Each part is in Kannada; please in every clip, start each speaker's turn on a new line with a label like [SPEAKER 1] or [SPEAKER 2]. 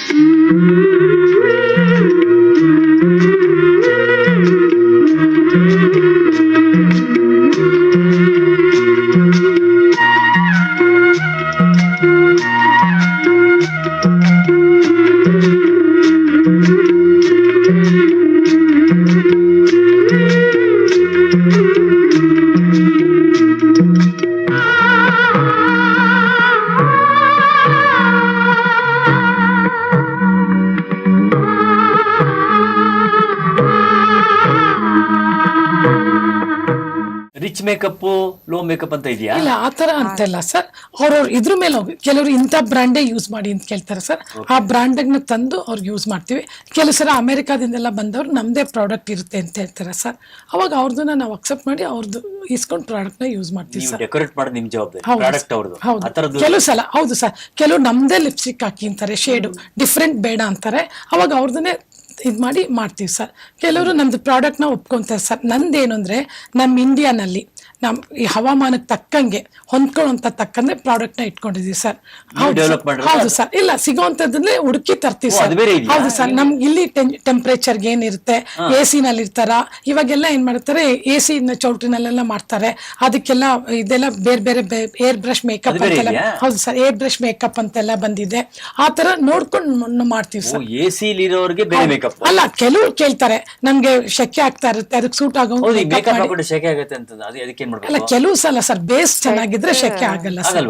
[SPEAKER 1] ರಿಚ್ ಮೇಕಪ್ ಲೋ ಮೇಕಪ್ ಅಂತ ಇದೆಯಾ?
[SPEAKER 2] ಇಲ್ಲ ಆತರ ಅಂತಲ್ಲ ಸರ್. ಅವ್ರವ್ರು ಇದ್ರ ಮೇಲೆ ಹೋಗಿ ಕೆಲವರು ಇಂಥ ಬ್ರ್ಯಾಂಡೇ ಯೂಸ್ ಮಾಡಿ ಅಂತ ಕೇಳ್ತಾರೆ ಸರ್. ಆ ಬ್ರ್ಯಾಂಡ್ನ ತಂದು ಅವ್ರಿಗೆ ಯೂಸ್ ಮಾಡ್ತೀವಿ. ಕೆಲವು ಸಲ ಅಮೆರಿಕಾದಿಂದೆಲ್ಲ ಬಂದವ್ರು ನಮ್ದೇ ಪ್ರಾಡಕ್ಟ್ ಇರುತ್ತೆ ಅಂತ ಹೇಳ್ತಾರೆ ಸರ್. ಅವಾಗ ಅವ್ರದನ್ನ ನಾವು ಅಕ್ಸೆಪ್ಟ್ ಮಾಡಿ ಅವ್ರದ್ದು ಇಸ್ಕೊಂಡು ಪ್ರಾಡಕ್ಟ್ ನ ಯೂಸ್ ಮಾಡ್ತೀವಿ ಸರ್.
[SPEAKER 1] ಡೆಕೋರೇಟ್ ಮಾಡೋದು ನಿಮ್ ಜವಾಬ್ದಾರಿ.
[SPEAKER 2] ಹೌದು
[SPEAKER 1] ಪ್ರಾಡಕ್ಟ್ ಅವ್ರದ್ದು.
[SPEAKER 2] ಹೌದು. ಕೆಲವು ಸಲ ಹೌದು ಸರ್, ಕೆಲವು ನಮ್ದೇ ಲಿಪ್ಸ್ಟಿಕ್ ಹಾಕಿ ಅಂತಾರೆ, ಶೇಡು ಡಿಫ್ರೆಂಟ್ ಬೇಡ ಅಂತಾರೆ. ಅವಾಗ ಅವ್ರದನ್ನೇ ಇದು ಮಾಡಿ ಮಾಡ್ತೀವಿ ಸರ್. ಕೆಲವರು ನಮ್ದು ಪ್ರಾಡಕ್ಟ್ನ ಒಪ್ಕೊಂತಾರೆ ಸರ್. ನಂದೇನು ಅಂದರೆ ನಮ್ಮ ಇಂಡಿಯಾನಲ್ಲಿ ನಮ್ಮ ಈ ಹವಾಮಾನಕ್ಕೆ ತಕ್ಕಂಗೆ ಹೊಂದ್ಕೊಳ್ಳೋಂಥ ತಕ್ಕಂಗೆ ಪ್ರಾಡಕ್ಟ್ನ ಇಟ್ಕೊಂಡಿದೀವಿ ಸರ್. ಹೌದು ಸರ್. ಇಲ್ಲ ಸಿಗೋಂಥದ್ದನ್ನೇ ಹುಡುಕಿ ತರ್ತೀವಿ ಸರ್. ಹೌದು ಸರ್. ನಮ್ಗೆ ಇಲ್ಲಿ ಟೆಂಪ್ರೇಚರ್ಗೆ ಏನಿರುತ್ತೆ, ಎ ಸಿನಲ್ಲಿ ಇರ್ತಾರ, ಇವಾಗೆಲ್ಲ ಏನ್ ಮಾಡ್ತಾರೆ ಎ ಸಿ ಚೌಟ್ರಿನಲ್ಲೆಲ್ಲ ಮಾಡ್ತಾರೆ. ಅದಕ್ಕೆಲ್ಲ ಇದೆಲ್ಲ ಬೇರೆ ಬೇರೆ ಏರ್ ಬ್ರಷ್ ಮೇಕಪ್ ಅಂತೆಲ್ಲ. ಹೌದು ಸರ್, ಏರ್ ಬ್ರಷ್ ಮೇಕಪ್ ಅಂತೆಲ್ಲ ಬಂದಿದೆ. ಆ ತರ ನೋಡ್ಕೊಂಡು ಮಾಡ್ತೀವಿ ಸರ್.
[SPEAKER 1] ಎ ಸಿ ಇರೋರಿಗೆ ಬೇರೆ ಮೇಕಪ್
[SPEAKER 2] ಅಲ್ಲ, ಕೆಲವ್ರು ಕೇಳ್ತಾರೆ ನಮ್ಗೆ ಶೆಕೆ ಆಗ್ತಾ ಇರುತ್ತೆ, ಅದಕ್ಕೆ ಸೂಟ್ ಆಗೋ
[SPEAKER 1] ಶೆಕೆ ಆಗುತ್ತೆ ಅಂತ. ಅದಕ್ಕೆ
[SPEAKER 2] ಅಲ್ಲ, ಕೆಲವು ಸಲ ಸರ್ ಬೇಸ್ ಚೆನ್ನಾಗಿದ್ರೆ ಶೆಕೆ ಆಗಲ್ಲ sir.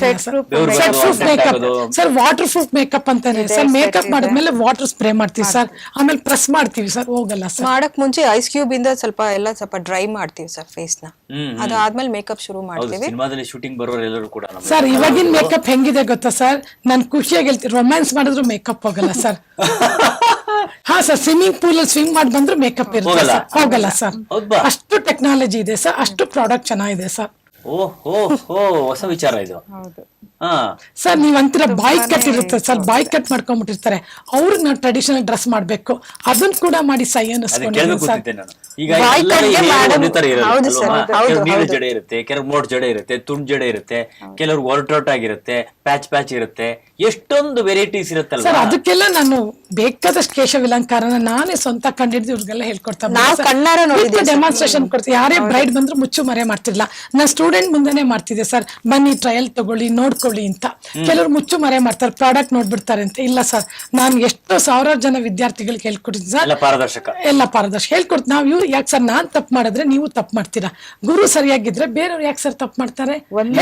[SPEAKER 2] Set proof makeup sir, water proof makeup ಅಂತಾನೆ ಸರ್. ಮೇಕಪ್ ಮಾಡಿದ್ಮೇಲೆ ವಾಟರ್ ಸ್ಪ್ರೇ ಮಾಡ್ತೀವಿ ಸರ್, ಆಮೇಲೆ ಪ್ರೆಸ್ ಮಾಡ್ತೀವಿ ಸರ್, ಹೋಗಲ್ಲ ಸರ್.
[SPEAKER 3] ಮಾಡಕ್ ಮುಂಚೆ ಐಸ್ ಕ್ಯೂಬ್ ಇಂದ ಸ್ವಲ್ಪ ಡ್ರೈ ಮಾಡ್ತೀವಿ ಸರ್ ಫೇಸ್ ನ. ಅದಾದ್ಮೇಲೆ ಮೇಕಪ್ ಶುರು ಮಾಡ್ತೀವಿ.
[SPEAKER 1] ಸಿನಿಮಾದಲ್ಲಿ ಶೂಟಿಂಗ್ ಬರೋರು ಎಲ್ಲರೂ ಕೂಡ
[SPEAKER 2] ಸರ್ ಇವಾಗಿನ ಮೇಕಪ್ ಹೆಂಗಿದೆ ಗೊತ್ತಾ ಸರ್? ನಾನು ಖುಷಿಯಾಗಿ ಹೇಳ್ತೀನಿ, ರೊಮ್ಯಾನ್ಸ್ ಮಾಡಿದ್ರು ಮೇಕಪ್ ಹೋಗಲ್ಲ ಸರ್. ಹಾ ಸರ್, ಸ್ವಿಮ್ಮಿಂಗ್ ಪೂಲ್ ಅಲ್ಲಿ ಸ್ವಿಮ್ ಮಾಡಿ ಬಂದ್ರು ಮೇಕಪ್ ಇರುತ್ತೆ ಸರ್, ಹೋಗಲ್ಲ ಸರ್. ಅಷ್ಟು ಟೆಕ್ನಾಲಜಿ ಇದೆ ಸರ್, ಅಷ್ಟು ಪ್ರಾಡಕ್ಟ್ ಚೆನ್ನಾಗಿದೆ ಸರ್.
[SPEAKER 1] ಹೊಸ ವಿಚಾರ ಇದು.
[SPEAKER 2] ಸರ್ ನೀವ್ ಅಂತೀರ ಬಾಯ್ ಕಟ್ ಇರುತ್ತೆ ಸರ್, ಬಾಯ್ ಕಟ್ ಮಾಡ್ಕೊಂಡ್ಬಿಟ್ಟಿರ್ತಾರೆ, ಅವ್ರಿಗೆ ನಾವು ಟ್ರೆಡಿಷನಲ್ ಡ್ರೆಸ್ ಮಾಡ್ಬೇಕು, ಅದನ್ನ ಕೂಡ ಮಾಡಿ ಸೈ ಅನ್ನಿಸ್ಕೊಂಡಿದ್ದೀನಿ ಸರ್.
[SPEAKER 1] ಈಗ ಜಡೆ ಇರುತ್ತೆ, ಕೆಲವ್ರು ಮೋಟ್ ಜಡೆ ಇರುತ್ತೆ, ತುಂಡ್ ಜಡೆ ಇರುತ್ತೆ, ಕೆಲವ್ರಿಗೆ ಒರಟೊಟ್ ಆಗಿರುತ್ತೆ, ಪ್ಯಾಚ್ ಇರುತ್ತೆ, ಎಷ್ಟೊಂದು ವೆರೈಟೀಸ್ ಇರುತ್ತಲ್ಲ
[SPEAKER 2] ಸರ್. ಅದಕ್ಕೆಲ್ಲ ನಾನು ಬೇಕಾದಷ್ಟು ಕೇಶವಿಲಂಕಾರನ ನಾನೇ ಸ್ವಂತ ಕಂಡಿದ್ದು ಇವ್ರಿಗೆಲ್ಲ ಹೇಳ್ಕೊಡ್ತಾ ಡೆಮಾನ್ಸ್ಟ್ರೇಷನ್ ಕೊಡ್ತೀವಿ. ಯಾರೇ ಬ್ರೈಡ್ ಬಂದ್ರು ಮುಚ್ಚು ಮರೆ ಮಾಡ್ತಿರ್ಲಿಲ್ಲ, ನಾನು ಸ್ಟೂಡೆಂಟ್ ಮುಂದೆನೆ ಮಾಡ್ತಿದ್ದೆ ಸರ್. ಬನ್ನಿ ಟ್ರಯಲ್ ತಗೊಳ್ಳಿ, ನೋಡ್ಕೊಳ್ಳಿ ಅಂತ. ಕೆಲವರು ಮುಚ್ಚು ಮರೆ ಮಾಡ್ತಾರೆ, ಪ್ರಾಡಕ್ಟ್ ನೋಡ್ಬಿಡ್ತಾರೆ ಅಂತ. ಇಲ್ಲ ಸರ್, ನಾನು ಎಷ್ಟೋ ಸಾವಿರಾರು ಜನ ವಿದ್ಯಾರ್ಥಿಗಳಿಗೆ ಹೇಳ್ಕೊಡ್ತೀನಿ ಸರ್. ಎಲ್ಲ ಪಾರದರ್ಶಕ ಹೇಳ್ಕೊಡ್ತೀನಿ. ನಾವು ಇವ್ರು ಯಾಕೆ ಸರ್, ನಾನ್ ತಪ್ಪು ಮಾಡಿದ್ರೆ ನೀವು ತಪ್ಪು ಮಾಡ್ತೀರಾ, ಗುರು ಸರಿಯಾಗಿದ್ರೆ ಬೇರೆಯವ್ರು ಯಾಕೆ ಸರ್ ತಪ್ಪು ಮಾಡ್ತಾರೆ?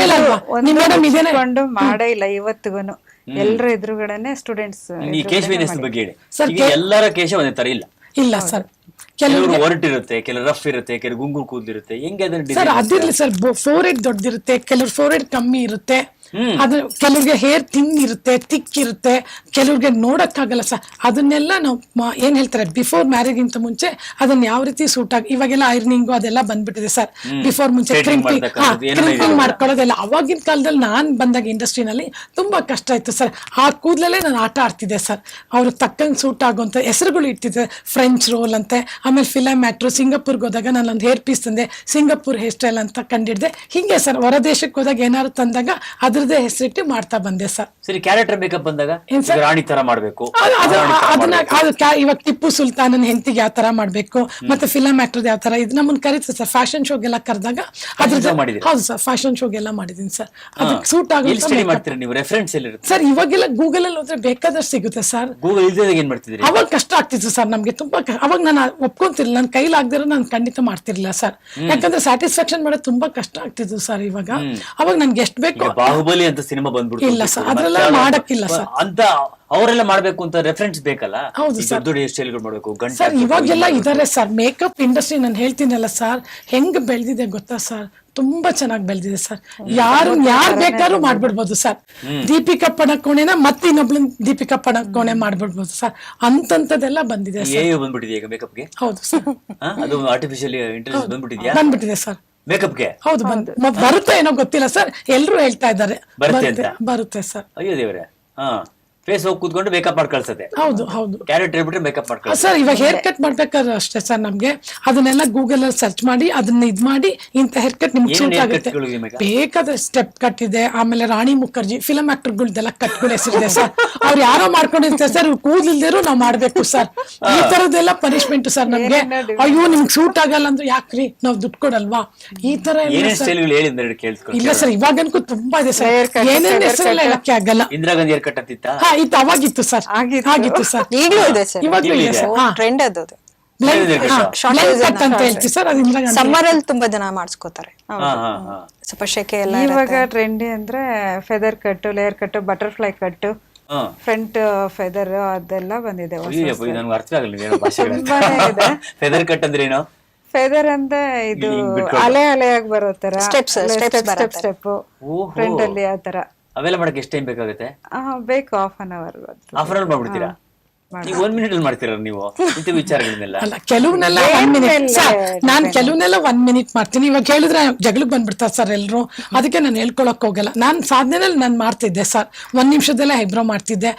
[SPEAKER 4] ಮಾಡೇ ಇಲ್ಲ ಇವತ್ತಿಗೂ. ಎಲ್ಲರ ಎದುರುಗಡೆನೆ ಸ್ಟೂಡೆಂಟ್ಸ್
[SPEAKER 1] ಬಗ್ಗೆ ಹೇಳಿ ಸರ್. ಎಲ್ಲರ ಕೇಶ ಒಂದೇ ತರ ಇಲ್ಲ.
[SPEAKER 2] ಇಲ್ಲ ಸರ್,
[SPEAKER 1] ಕೆಲವರು ಒರಟಿರುತ್ತೆ, ಕೆಲವರು ರಫ್ ಇರುತ್ತೆ, ಕೆಲವರು ಗುಂಗುರು ಕೂದಿರುತ್ತೆ. ಹೆಂಗೆ
[SPEAKER 2] ಸರ್ ಅದಿರ್ಲಿ ಸರ್. ಫೋರ್ ಹೆಡ್ ದೊಡ್ಡದಿರುತ್ತೆ, ಕೆಲವ್ರ ಫೋರ್ ಹೆಡ್ ಕಮ್ಮಿ ಇರುತ್ತೆ. ಅದು ಕೆಲವ್ರಿಗೆ ಹೇರ್ ಥಿನ್ ಇರುತ್ತೆ, ತಿಕ್ ಇರುತ್ತೆ, ಕೆಲವ್ರಿಗೆ ನೋಡಕ್ಕಾಗಲ್ಲ ಸರ್. ಅದನ್ನೆಲ್ಲ ನಾವು ಏನ್ ಹೇಳ್ತಾರೆ, ಬಿಫೋರ್ ಮ್ಯಾರೇಜ್ ಇಂತ ಮುಂಚೆ ಅದನ್ನ ಯಾವ ರೀತಿ ಸೂಟ್ ಆಗಿ, ಇವಾಗೆಲ್ಲ ಐರನಿಂಗು ಅದೆಲ್ಲ ಬಂದ್ಬಿಟ್ಟಿದೆ ಸರ್. ಬಿಫೋರ್ ಮುಂಚೆ ಕ್ರಿಂಪಿಂಗ್ ಮಾಡ್ಕೊಳ್ಳೋದೆಲ್ಲ. ಅವಾಗಿನ ಕಾಲದಲ್ಲಿ ನಾನ್ ಬಂದಾಗ ಇಂಡಸ್ಟ್ರಿನಲ್ಲಿ ತುಂಬಾ ಕಷ್ಟ ಇತ್ತು ಸರ್. ಆ ಕೂದಲಲ್ಲೇ ನಾನು ಆಟ ಆಡ್ತಿದ್ದೆ ಸರ್. ಅವ್ರಿಗೆ ತಕ್ಕಂಗೆ ಸೂಟ್ ಆಗುವಂತ ಹೆಸರುಗಳು ಇಟ್ಟಿದ್ದೆ, ಫ್ರೆಂಚ್ ರೋಲ್ ಅಂತೆ, ಆಮೇಲೆ ಫಿಲಮ್ ಆಕ್ಟ್ರು. ಸಿಂಗಾಪುರ್ಗೆ ಹೋದಾಗ ನಾನು ಒಂದು ಹೇರ್ ಪೀಸ್ ತಂದೆ, ಸಿಂಗಾಪುರ್ ಹೇರ್ ಸ್ಟೈಲ್ ಅಂತ ಕಂಡಿಡ್ದೆ. ಹಿಂಗೆ ಸರ್, ಹೊರ ದೇಶಕ್ಕೆ ಹೋದಾಗ ಏನಾದ್ರು ತಂದಾಗ ಅದ್ರದ್ದೇ ಹೆಸರಿಟ್ಟು ಮಾಡ್ತಾ ಬಂದೆ ಸರ್.
[SPEAKER 1] ಸರಿ, ಕ್ಯಾರೆಕ್ಟರ್ ಮೇಕಪ್ ಬಂದಾಗ ರಾಣಿ ತರ ಮಾಡ್ಬೇಕು,
[SPEAKER 2] ಇವಾಗ ಟಿಪ್ಪು ಸುಲ್ತಾನನ್ ಹೆಂಡತಿಗೆ ಯಾವ ತರ ಮಾಡ್ಬೇಕು, ಮತ್ತೆ ಫಿಲಮ್ ಆಕ್ಟರ್ ಯಾವ ತರ, ಇದು ನಮ್ಮನ್ನ ಕರೀತಾರೆ ಸರ್. ಫ್ಯಾಷನ್ ಶೋಗೆಲ್ಲ ಕರೆದಾಗ ಅದ್ರದ್ದು. ಹೌದು ಸರ್, ಫ್ಯಾಷನ್ ಶೋಗೆಲ್ಲ ಮಾಡಿದೀನಿ ಸರ್. ಅದಕ್ಕೆ ಸೂಟ್ ಆಗುತ್ತೆ ಸರ್. ಇವಾಗೆಲ್ಲ ಗೂಗಲ್ ಅಲ್ಲಿ ಹೋದ್ರೆ ಬೇಕಾದಷ್ಟು ಸಿಗುತ್ತೆ ಸರ್. ಅವಾಗ ಕಷ್ಟ ಆಗ್ತಿತ್ತು ಸರ್ ನಮ್ಗೆ ತುಂಬಾ. ಅವಾಗ ನಾನು ಒಪ್ಕೊಂತಿರ್ಲಿಲ್ಲ, ನನ್ನ ಕೈಲಾಗ್ದಿರೋ ನಾನು ಖಂಡಿತ ಮಾಡ್ತಿರ್ಲಿಲ್ಲ ಸರ್. ಯಾಕಂದ್ರೆ ಸ್ಯಾಟಿಸ್ಫ್ಯಾಕ್ಷನ್ ಮಾಡೋದು ತುಂಬಾ ಕಷ್ಟ ಆಗ್ತಿತ್ತು ಸರ್. ಇವಾಗ ಅವಾಗ ನನ್ಗೆ ಎಷ್ಟು ಬೇಕು.
[SPEAKER 1] ಬಾಹುಬಲಿ ಅಂತ ಸಿನಿಮಾ ಬಂದ್ಬಿಟ್ಟು
[SPEAKER 2] ಇಲ್ಲ ಸರ್, ಅದ್ರೆಲ್ಲ ಮಾಡಕ್ಕಿಲ್ಲ ಸರ್
[SPEAKER 1] ಅಂತ. ಅವರೆಲ್ಲ ಮಾಡ್ಬೇಕು ಅಂತ ರೆಫರೆನ್ಸ್ ಬೇಕಲ್ಲ.
[SPEAKER 2] ಹೌದು ಸರ್,
[SPEAKER 1] ದೊಡ್ಡ ಹೇರ್ ಸ್ಟೈಲ್ಗಳು ಮಾಡ್ಬೇಕು
[SPEAKER 2] ಸರ್. ಇವಾಗೆಲ್ಲ ಇದಾರೆ ಸರ್. ಮೇಕಪ್ ಇಂಡಸ್ಟ್ರಿ ನಾನು ಹೇಳ್ತೀನಲ್ಲ ಸರ್, ಹೆಂಗ್ ಬೆಳೆದಿದೆ ಗೊತ್ತಾ ಸರ್? ತುಂಬಾ ಚೆನ್ನಾಗಿ ಬೆಳೆದಿದೆ ಸರ್. ಯಾರು ಬೇಕಾದ್ರೂ ಮಾಡ್ಬಿಡ್ಬೋದು ಸರ್. ದೀಪಿಕಾ ಪಡಕೋಣೆನ ಮತ್ತೆ ಇನ್ನೊಬ್ಳು ದೀಪಿಕಾ ಪಡಕೋಣೆ ಮಾಡ್ಬಿಡ್ಬೋದು ಸರ್. ಅಂತದೆಲ್ಲ ಬಂದಿದೆ ಸರ್.
[SPEAKER 1] ಬಂದ್ಬಿಟ್ಟಿದೆ ಈಗ ಮೇಕಪ್ಗೆ.
[SPEAKER 2] ಹೌದು ಸರ್,
[SPEAKER 1] ಅದು ಆರ್ಟಿಫಿಷಿಯಲ್ ಇಂಟೆಲಿಜೆನ್ಸ್
[SPEAKER 2] ಬಂದ್ಬಿಟ್ಟಿದೆ ಸರ್
[SPEAKER 1] ಮೇಕಪ್ಗೆ.
[SPEAKER 2] ಹೌದು, ಬರುತ್ತೆ ಏನೋ ಗೊತ್ತಿಲ್ಲ ಸರ್. ಎಲ್ರು ಹೇಳ್ತಾ ಇದ್ದಾರೆ ಬರುತ್ತೆ ಸರ್.
[SPEAKER 1] ಅಯ್ಯೋ ದೇವ್ರೆ. ಫೇಸ್ ಹೋಗಿ ಕೂತ್ಕೊಂಡು ಮೇಕಪ್ ಮಾಡಿ ಕಳ್ಸತ್ತೆ.
[SPEAKER 2] ಹೌದು ಹೌದು
[SPEAKER 1] ಕ್ಯಾರೆಟ್ ಹೇಳ್ಬಿಟ್ರೆ ಮೇಕಪ್ ಮಾಡಿ ಕಳ್ಸತ್ತೆ.
[SPEAKER 2] ಸರ್ ಇವಾಗ ಹೇರ್ ಕಟ್ ಮಾಡ್ಬೇಕಾದ್ರೆ ಅಷ್ಟೇ ಸರ್, ನಮ್ಗೆ ಅದನ್ನೆಲ್ಲ ಗೂಗಲ್ ಅಲ್ಲಿ ಸರ್ಚ್ ಮಾಡಿ ಅದನ್ನ ಇದ್ ಮಾಡಿ ಇಂತ ಹೇರ್ ಕಟ್ ನಿಮ್ಗೆ ಸೂಟ್ ಆಗುತ್ತೆ. ಬೇಕಾದ್ರೆ ಸ್ಟೆಪ್ ಕಟ್ ಇದೆ, ಆಮೇಲೆ ರಾಣಿ ಮುಖರ್ಜಿ ಫಿಲಂ ಆಕ್ಟರ್ಗಳ್ದೆಲ್ಲ ಕಟ್ಗಳ ಹೆಸರಿದೆ ಸರ್. ಅವ್ರು ಯಾರೋ ಮಾಡ್ಕೊಂಡಿರ್ತಾರೆ ಸರ್, ಕೂದಲಿಲ್ದೇರು ನಾವ್ ಮಾಡ್ಬೇಕು ಸರ್. ಈ ತರದೆಲ್ಲ ಪನಿಷ್ಮೆಂಟ್ ಸರ್ ನಮ್ಗೆ. ಅಯ್ಯೋ ನಿಮ್ಗೆ ಸೂಟ್ ಆಗಲ್ಲ ಅಂದ್ರೆ ಯಾಕ್ರಿ ನಾವ್ ದುಡ್ಡು ಕೊಡಲ್ವಾ, ಈ ತರ ಎಲ್ಲ
[SPEAKER 1] ಏನೇನ್
[SPEAKER 2] ಸರ್.
[SPEAKER 1] ಸ್ಟೈಲ್ಗಳು ಹೇಳಿ ಅಂದ್ರೆ ಕೇಳಿಸ್ಕೊಳ್ಳಿ.
[SPEAKER 2] ಇಲ್ಲ ಸರ್ ಇವಾಗನ್ಕು ತುಂಬಾ ಇದೆ ಸರ್, ಏನೇನ್ ಹೆಸರೆಲ್ಲ ಹೇಳಕ್ಕೆ ಆಗಲ್ಲ.
[SPEAKER 1] ಇಂದಿರಾ ಗಾಂಧಿ ಹೇರ್ ಕಟ್ ಅಂತಿತ್ತ?
[SPEAKER 2] ಹಾ ಇದು ಅವಾಗಿತ್ತು ಸರ್, ಆಗಿತ್ತು ಸರ್,
[SPEAKER 3] ಈಗಲೂ ಇದೆ ಸರ್,
[SPEAKER 2] ಇವಾಗ್ಲೂ ಇದೆ ಸರ್. ಹಾ
[SPEAKER 3] ಟ್ರೆಂಡ್ ಅದು.
[SPEAKER 2] ಬ್ಲೈಂಡ್ ಕಟ್ ಅಂತ ಹೇಳ್ತೀವಿ ಸರ್, ಅದು ಇಂದಿರಾ ಗಾಂಧಿ.
[SPEAKER 3] ಸಮ್ಮರ್ ಅಲ್ಲಿ ತುಂಬಾ ಜನ ಮಾಡಿಸ್ಕೋತಾರೆ, ಸ್ವಲ್ಪ ಶೆಕೆ ಎಲ್ಲ
[SPEAKER 4] ಇವಾಗ ಟ್ರೆಂಡಿ ಅಂದ್ರೆ feather cut, layer cut, butterfly cut, front feather ಅದೆಲ್ಲ ಬಂದಿದೆ.
[SPEAKER 1] ನನ್ಗೆ ಅರ್ಥ ಆಗಲ್ಲ ಏನೋ ಭಾಷೆಗಳು.
[SPEAKER 4] ತುಂಬಾನೇ ಇದೆ.
[SPEAKER 1] ಫೆದರ್ ಕಟ್ ಅಂದ್ರೆ ಏನು?
[SPEAKER 4] ಫೆದರ್ ಅಂದ್ರೆ ಇದು ಅಲೆ ಅಲೆಯಾಗಿ ಬರೋ ತರ
[SPEAKER 3] Steps
[SPEAKER 4] ಸ್ಟೆಪ್ ಫ್ರಂಟ್ ಅಲ್ಲಿ ಆ ತರ.
[SPEAKER 1] ಅವೆಲ್ಲ ಮಾಡಕ್ಕೆ ಎಷ್ಟು ಟೈಮ್ ಬೇಕಾಗುತ್ತೆ?
[SPEAKER 4] ಬೇಕು half an hour.
[SPEAKER 1] Half an hour ಮಾಡ್ಬಿಡ್ತೀರಾ? ನೀವು 1 minute ಅಲ್ಲಿ ಮಾಡ್ತೀರಾ ನೀವು ಇಂಥ ವಿಚಾರಗಳನ್ನೆಲ್ಲ?
[SPEAKER 2] ಅಲ್ಲ ಕೆಲವ್ನೆಲ್ಲ 1 minute ಸರ್, ನಾನ್ ಕೆಲವ್ನೆಲ್ಲ 1 minute ಮಾಡ್ತೀನಿ. ಇವಾಗ ಹೇಳಿದ್ರೆ ಜಗಳಕ್ಕೆ ಬಂದ್ಬಿಡ್ತಾರೆ ಸರ್ ಎಲ್ರು, ಅದಕ್ಕೆ ನಾನು ಹೇಳ್ಕೊಳಕ್ ಹೋಗಲ್ಲ. ನಾನ್ ಸಾಧನೆಯಲ್ಲಿ ನಾನು ಮಾಡ್ತಿದ್ದೆ ಸರ್, 1 ನಿಮಿಷದಲ್ಲೇ ಐಬ್ರೋ ಮಾಡ್ತಿದ್ದೆ,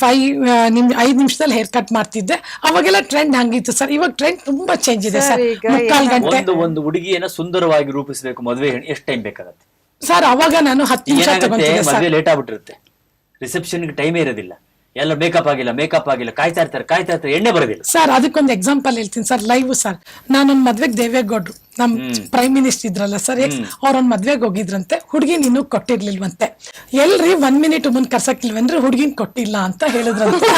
[SPEAKER 2] 5 ನಿಮಿಷದಲ್ಲಿ ಹೇರ್ ಕಟ್ ಮಾಡ್ತಿದ್ದೆ. ಅವಾಗೆಲ್ಲ ಟ್ರೆಂಡ್ ಹಂಗಿತ್ತು ಸರ್. ಇವಾಗ ಟ್ರೆಂಡ್ ತುಂಬಾ ಚೇಂಜ್ ಇದೆ ಸರ್. ಮುಕ್ಕಾಲ್ ಗಂಟೆ
[SPEAKER 1] ಒಂದು ಹುಡುಗಿಯನ್ನ ಸುಂದರವಾಗಿ ರೂಪಿಸಬೇಕು ಮದುವೆ ಎಷ್ಟು ಟೈಮ್ ಬೇಕಾಗುತ್ತೆ
[SPEAKER 2] ಸರ್? ಅವಾಗ ನಾನು 10 ನಿಮಿಷ ತಗೊಂತಿದ್ದೆ ಸರ್.
[SPEAKER 1] ಮದುವೆ ಲೇಟ್ ಆಗ್ಬಿಟ್ಟಿರುತ್ತೆ, ರಿಸೆಪ್ಷನ್ಗೆ ಟೈಮೇ ಇರೋದಿಲ್ಲ, ಎಲ್ಲ ಮೇಕಪ್ ಆಗಿಲ್ಲ ಕಾಯ್ತಾ ಇರ್ತಾರೆ, ಎಣ್ಣೆ ಬರೋದಿಲ್ಲ
[SPEAKER 2] ಸರ್. ಅದಕ್ಕೊಂದು ಎಕ್ಸಾಂಪಲ್ ಹೇಳ್ತೀನಿ ಸರ್, ಲೈವ್ ಸರ್. ನಾನೊಂದ್ ಮದ್ವೆಗೆ ದೇವೇಗೌಡ್ರು ನಮ್ ಪ್ರೈಮ್ ಮಿನಿಸ್ಟರ್ ಇದ್ರಲ್ಲ ಸರ್, ಅವ್ರೊಂದ್ ಮದ್ವೆಗೆ ಹೋಗಿದ್ರಂತೆ, ಹುಡ್ಗಿನ್ ಇನ್ನೂ ಕೊಟ್ಟಿರ್ಲಿಲ್ವಂತೆ. ಎಲ್ರಿ 1 minute ಮುಂದ್ ಕರ್ಸಕ್ಕಿಲ್ವೇನ್ರಿ, ಹುಡ್ಗಿನ್ ಕೊಟ್ಟಿಲ್ಲ ಅಂತ ಹೇಳಿದ್ರಂತೆ.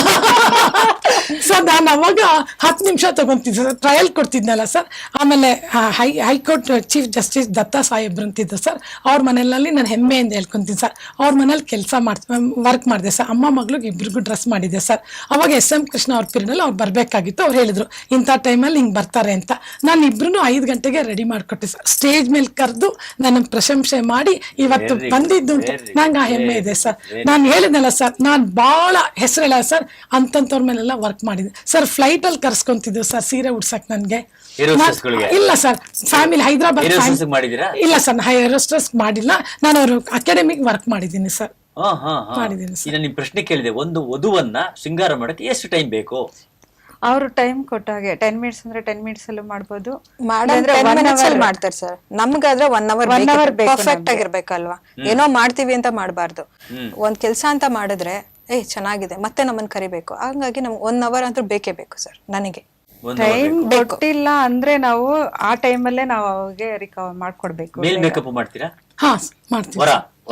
[SPEAKER 2] ಸರ್ ನಾನು ಅವಾಗ 10 ನಿಮಿಷ ತಗೊಂತಿದ್ದೆ ಸರ್, ಟ್ರಯಲ್ ಕೊಡ್ತಿದ್ನಲ್ಲ ಸರ್. ಆಮೇಲೆ ಹೈಕೋರ್ಟ್ ಚೀಫ್ ಜಸ್ಟಿಸ್ ದತ್ತಾ ಸಾಹೇಬ್ರು ಅಂತಿದ್ದ ಸರ್, ಅವ್ರ ಮನೆಯಲ್ಲಿ ನಾನು ಹೆಮ್ಮೆಯಿಂದ ಹೇಳ್ಕೊಂತೀನಿ ಸರ್. ಅವ್ರ ಮನೇಲಿ ವರ್ಕ್ ಮಾಡಿದೆ ಸರ್. ಅಮ್ಮ ಮಗಳಿಗೆ ಇಬ್ರಿಗೂ ಡ್ರೆಸ್ ಮಾಡಿದೆ ಸರ್. ಅವಾಗ SM ಕೃಷ್ಣ ಅವ್ರ ಪೀರಿಯಡ್ ಅವ್ರು ಬರ್ಬೇಕಾಗಿತ್ತು. ಅವ್ರು ಹೇಳಿದ್ರು ಇಂಥ ಟೈಮಲ್ಲಿ ಹಿಂಗ್ ಬರ್ತಾರೆ ಅಂತ. ನಾನು ಇಬ್ರು 5 ಗಂಟೆಗೆ ರೆಡಿ ಮಾಡ್ಕೊಟ್ಟೆ ಸರ್. ಸ್ಟೇಜ್ ಮೇಲೆ ಕರೆದು ನನ್ನ ಪ್ರಶಂಸೆ ಮಾಡಿ ಇವತ್ತು ಬಂದಿದ್ದು ನಂಗೆ ಆ ಹೆಮ್ಮೆ ಇದೆ ಸರ್. ನಾನು ಹೇಳಿದ್ನಲ್ಲ ಸರ್, ನಾನ್ ಬಹಳ ಹೆಸರು ಹೇಳ ಸರ್, ಅಂತಂತವ್ರ ಮೇಲೆಲ್ಲ ವರ್ಕ್ ಮಾಡಿದೆ ಸರ್. ಫ್ಲೈಟ್ ಅಲ್ಲಿ ಕರ್ಸ್ಕೊಂತಿದ್ದೆ ಸರ್ ಸೀರೆ ಉಡ್ಸಕ್ ನನ್ಗೆ. ಇಲ್ಲ ಸರ್, ಫ್ಯಾಮಿಲಿ ಹೈದರಾಬಾದ್ ಇಲ್ಲ ಸರ್, ಏರೋಸ್ಟ್ರೆಸ್ ಮಾಡಿಲ್ಲ ನಾನು. ಅವರು ಅಕಾಡೆಮಿಕ್ ವರ್ಕ್ ಮಾಡಿದ್ದೀನಿ ಸರ್. ಮಾಡಿದ್ದೀನಿ ಸರ್.
[SPEAKER 1] ನಿಮ್ ಪ್ರಶ್ನೆ ಕೇಳಿದೆ, ಒಂದು ವಧುವನ್ನ ಶೃಂಗಾರ ಮಾಡಕ್ಕೆ ಎಷ್ಟು ಟೈಮ್ ಬೇಕು?
[SPEAKER 4] ಅವ್ರು ಟೈಮ್ ಕೊಟ್ಟಾಗೆ 10 minutes ಅಂದ್ರೆ 10 minutes ಅಲ್ಲೂ ಮಾಡ್ಬೋದು,
[SPEAKER 3] ಮಾಡಿದ್ರೆ 1 minute ಅಲ್ಲಿ ಮಾಡ್ತಾರೆ ಸರ್. ನಮ್ಗಾದ್ರೆ 1 hour ಪರ್ಫೆಕ್ಟ್ ಆಗಿರ್ಬೇಕಲ್ವಾ? ಏನೋ ಮಾಡ್ತೀವಿ ಅಂತ ಮಾಡಬಾರ್ದು. ಒಂದ್ ಕೆಲ್ಸ ಅಂತ ಮಾಡಿದ್ರೆ ಚೆನ್ನಾಗಿದೆ ಮತ್ತೆ ನಮ್ಮನ್ನ ಕರಿಬೇಕು, ಹಂಗಾಗಿ ನಮ್ಗೆ 1 hour ಅಂತೂ ಬೇಕೇ ಬೇಕು ಸರ್. ನನಗೆ
[SPEAKER 4] ಟೈಮ್ ಕೊಟ್ಟಿಲ್ಲ ಅಂದ್ರೆ ನಾವು ಆ ಟೈಮಲ್ಲೇ ನಾವು ಅವಾಗೆ ರಿಕವರ್ ಮಾಡ್ಕೊಡ್ಬೇಕು.
[SPEAKER 1] ಮೇಲ್ ಮೇಕಪ್ ಮಾಡ್ತೀರಾ?
[SPEAKER 2] ಹಾ ಮಾಡ್ತೀವಿ.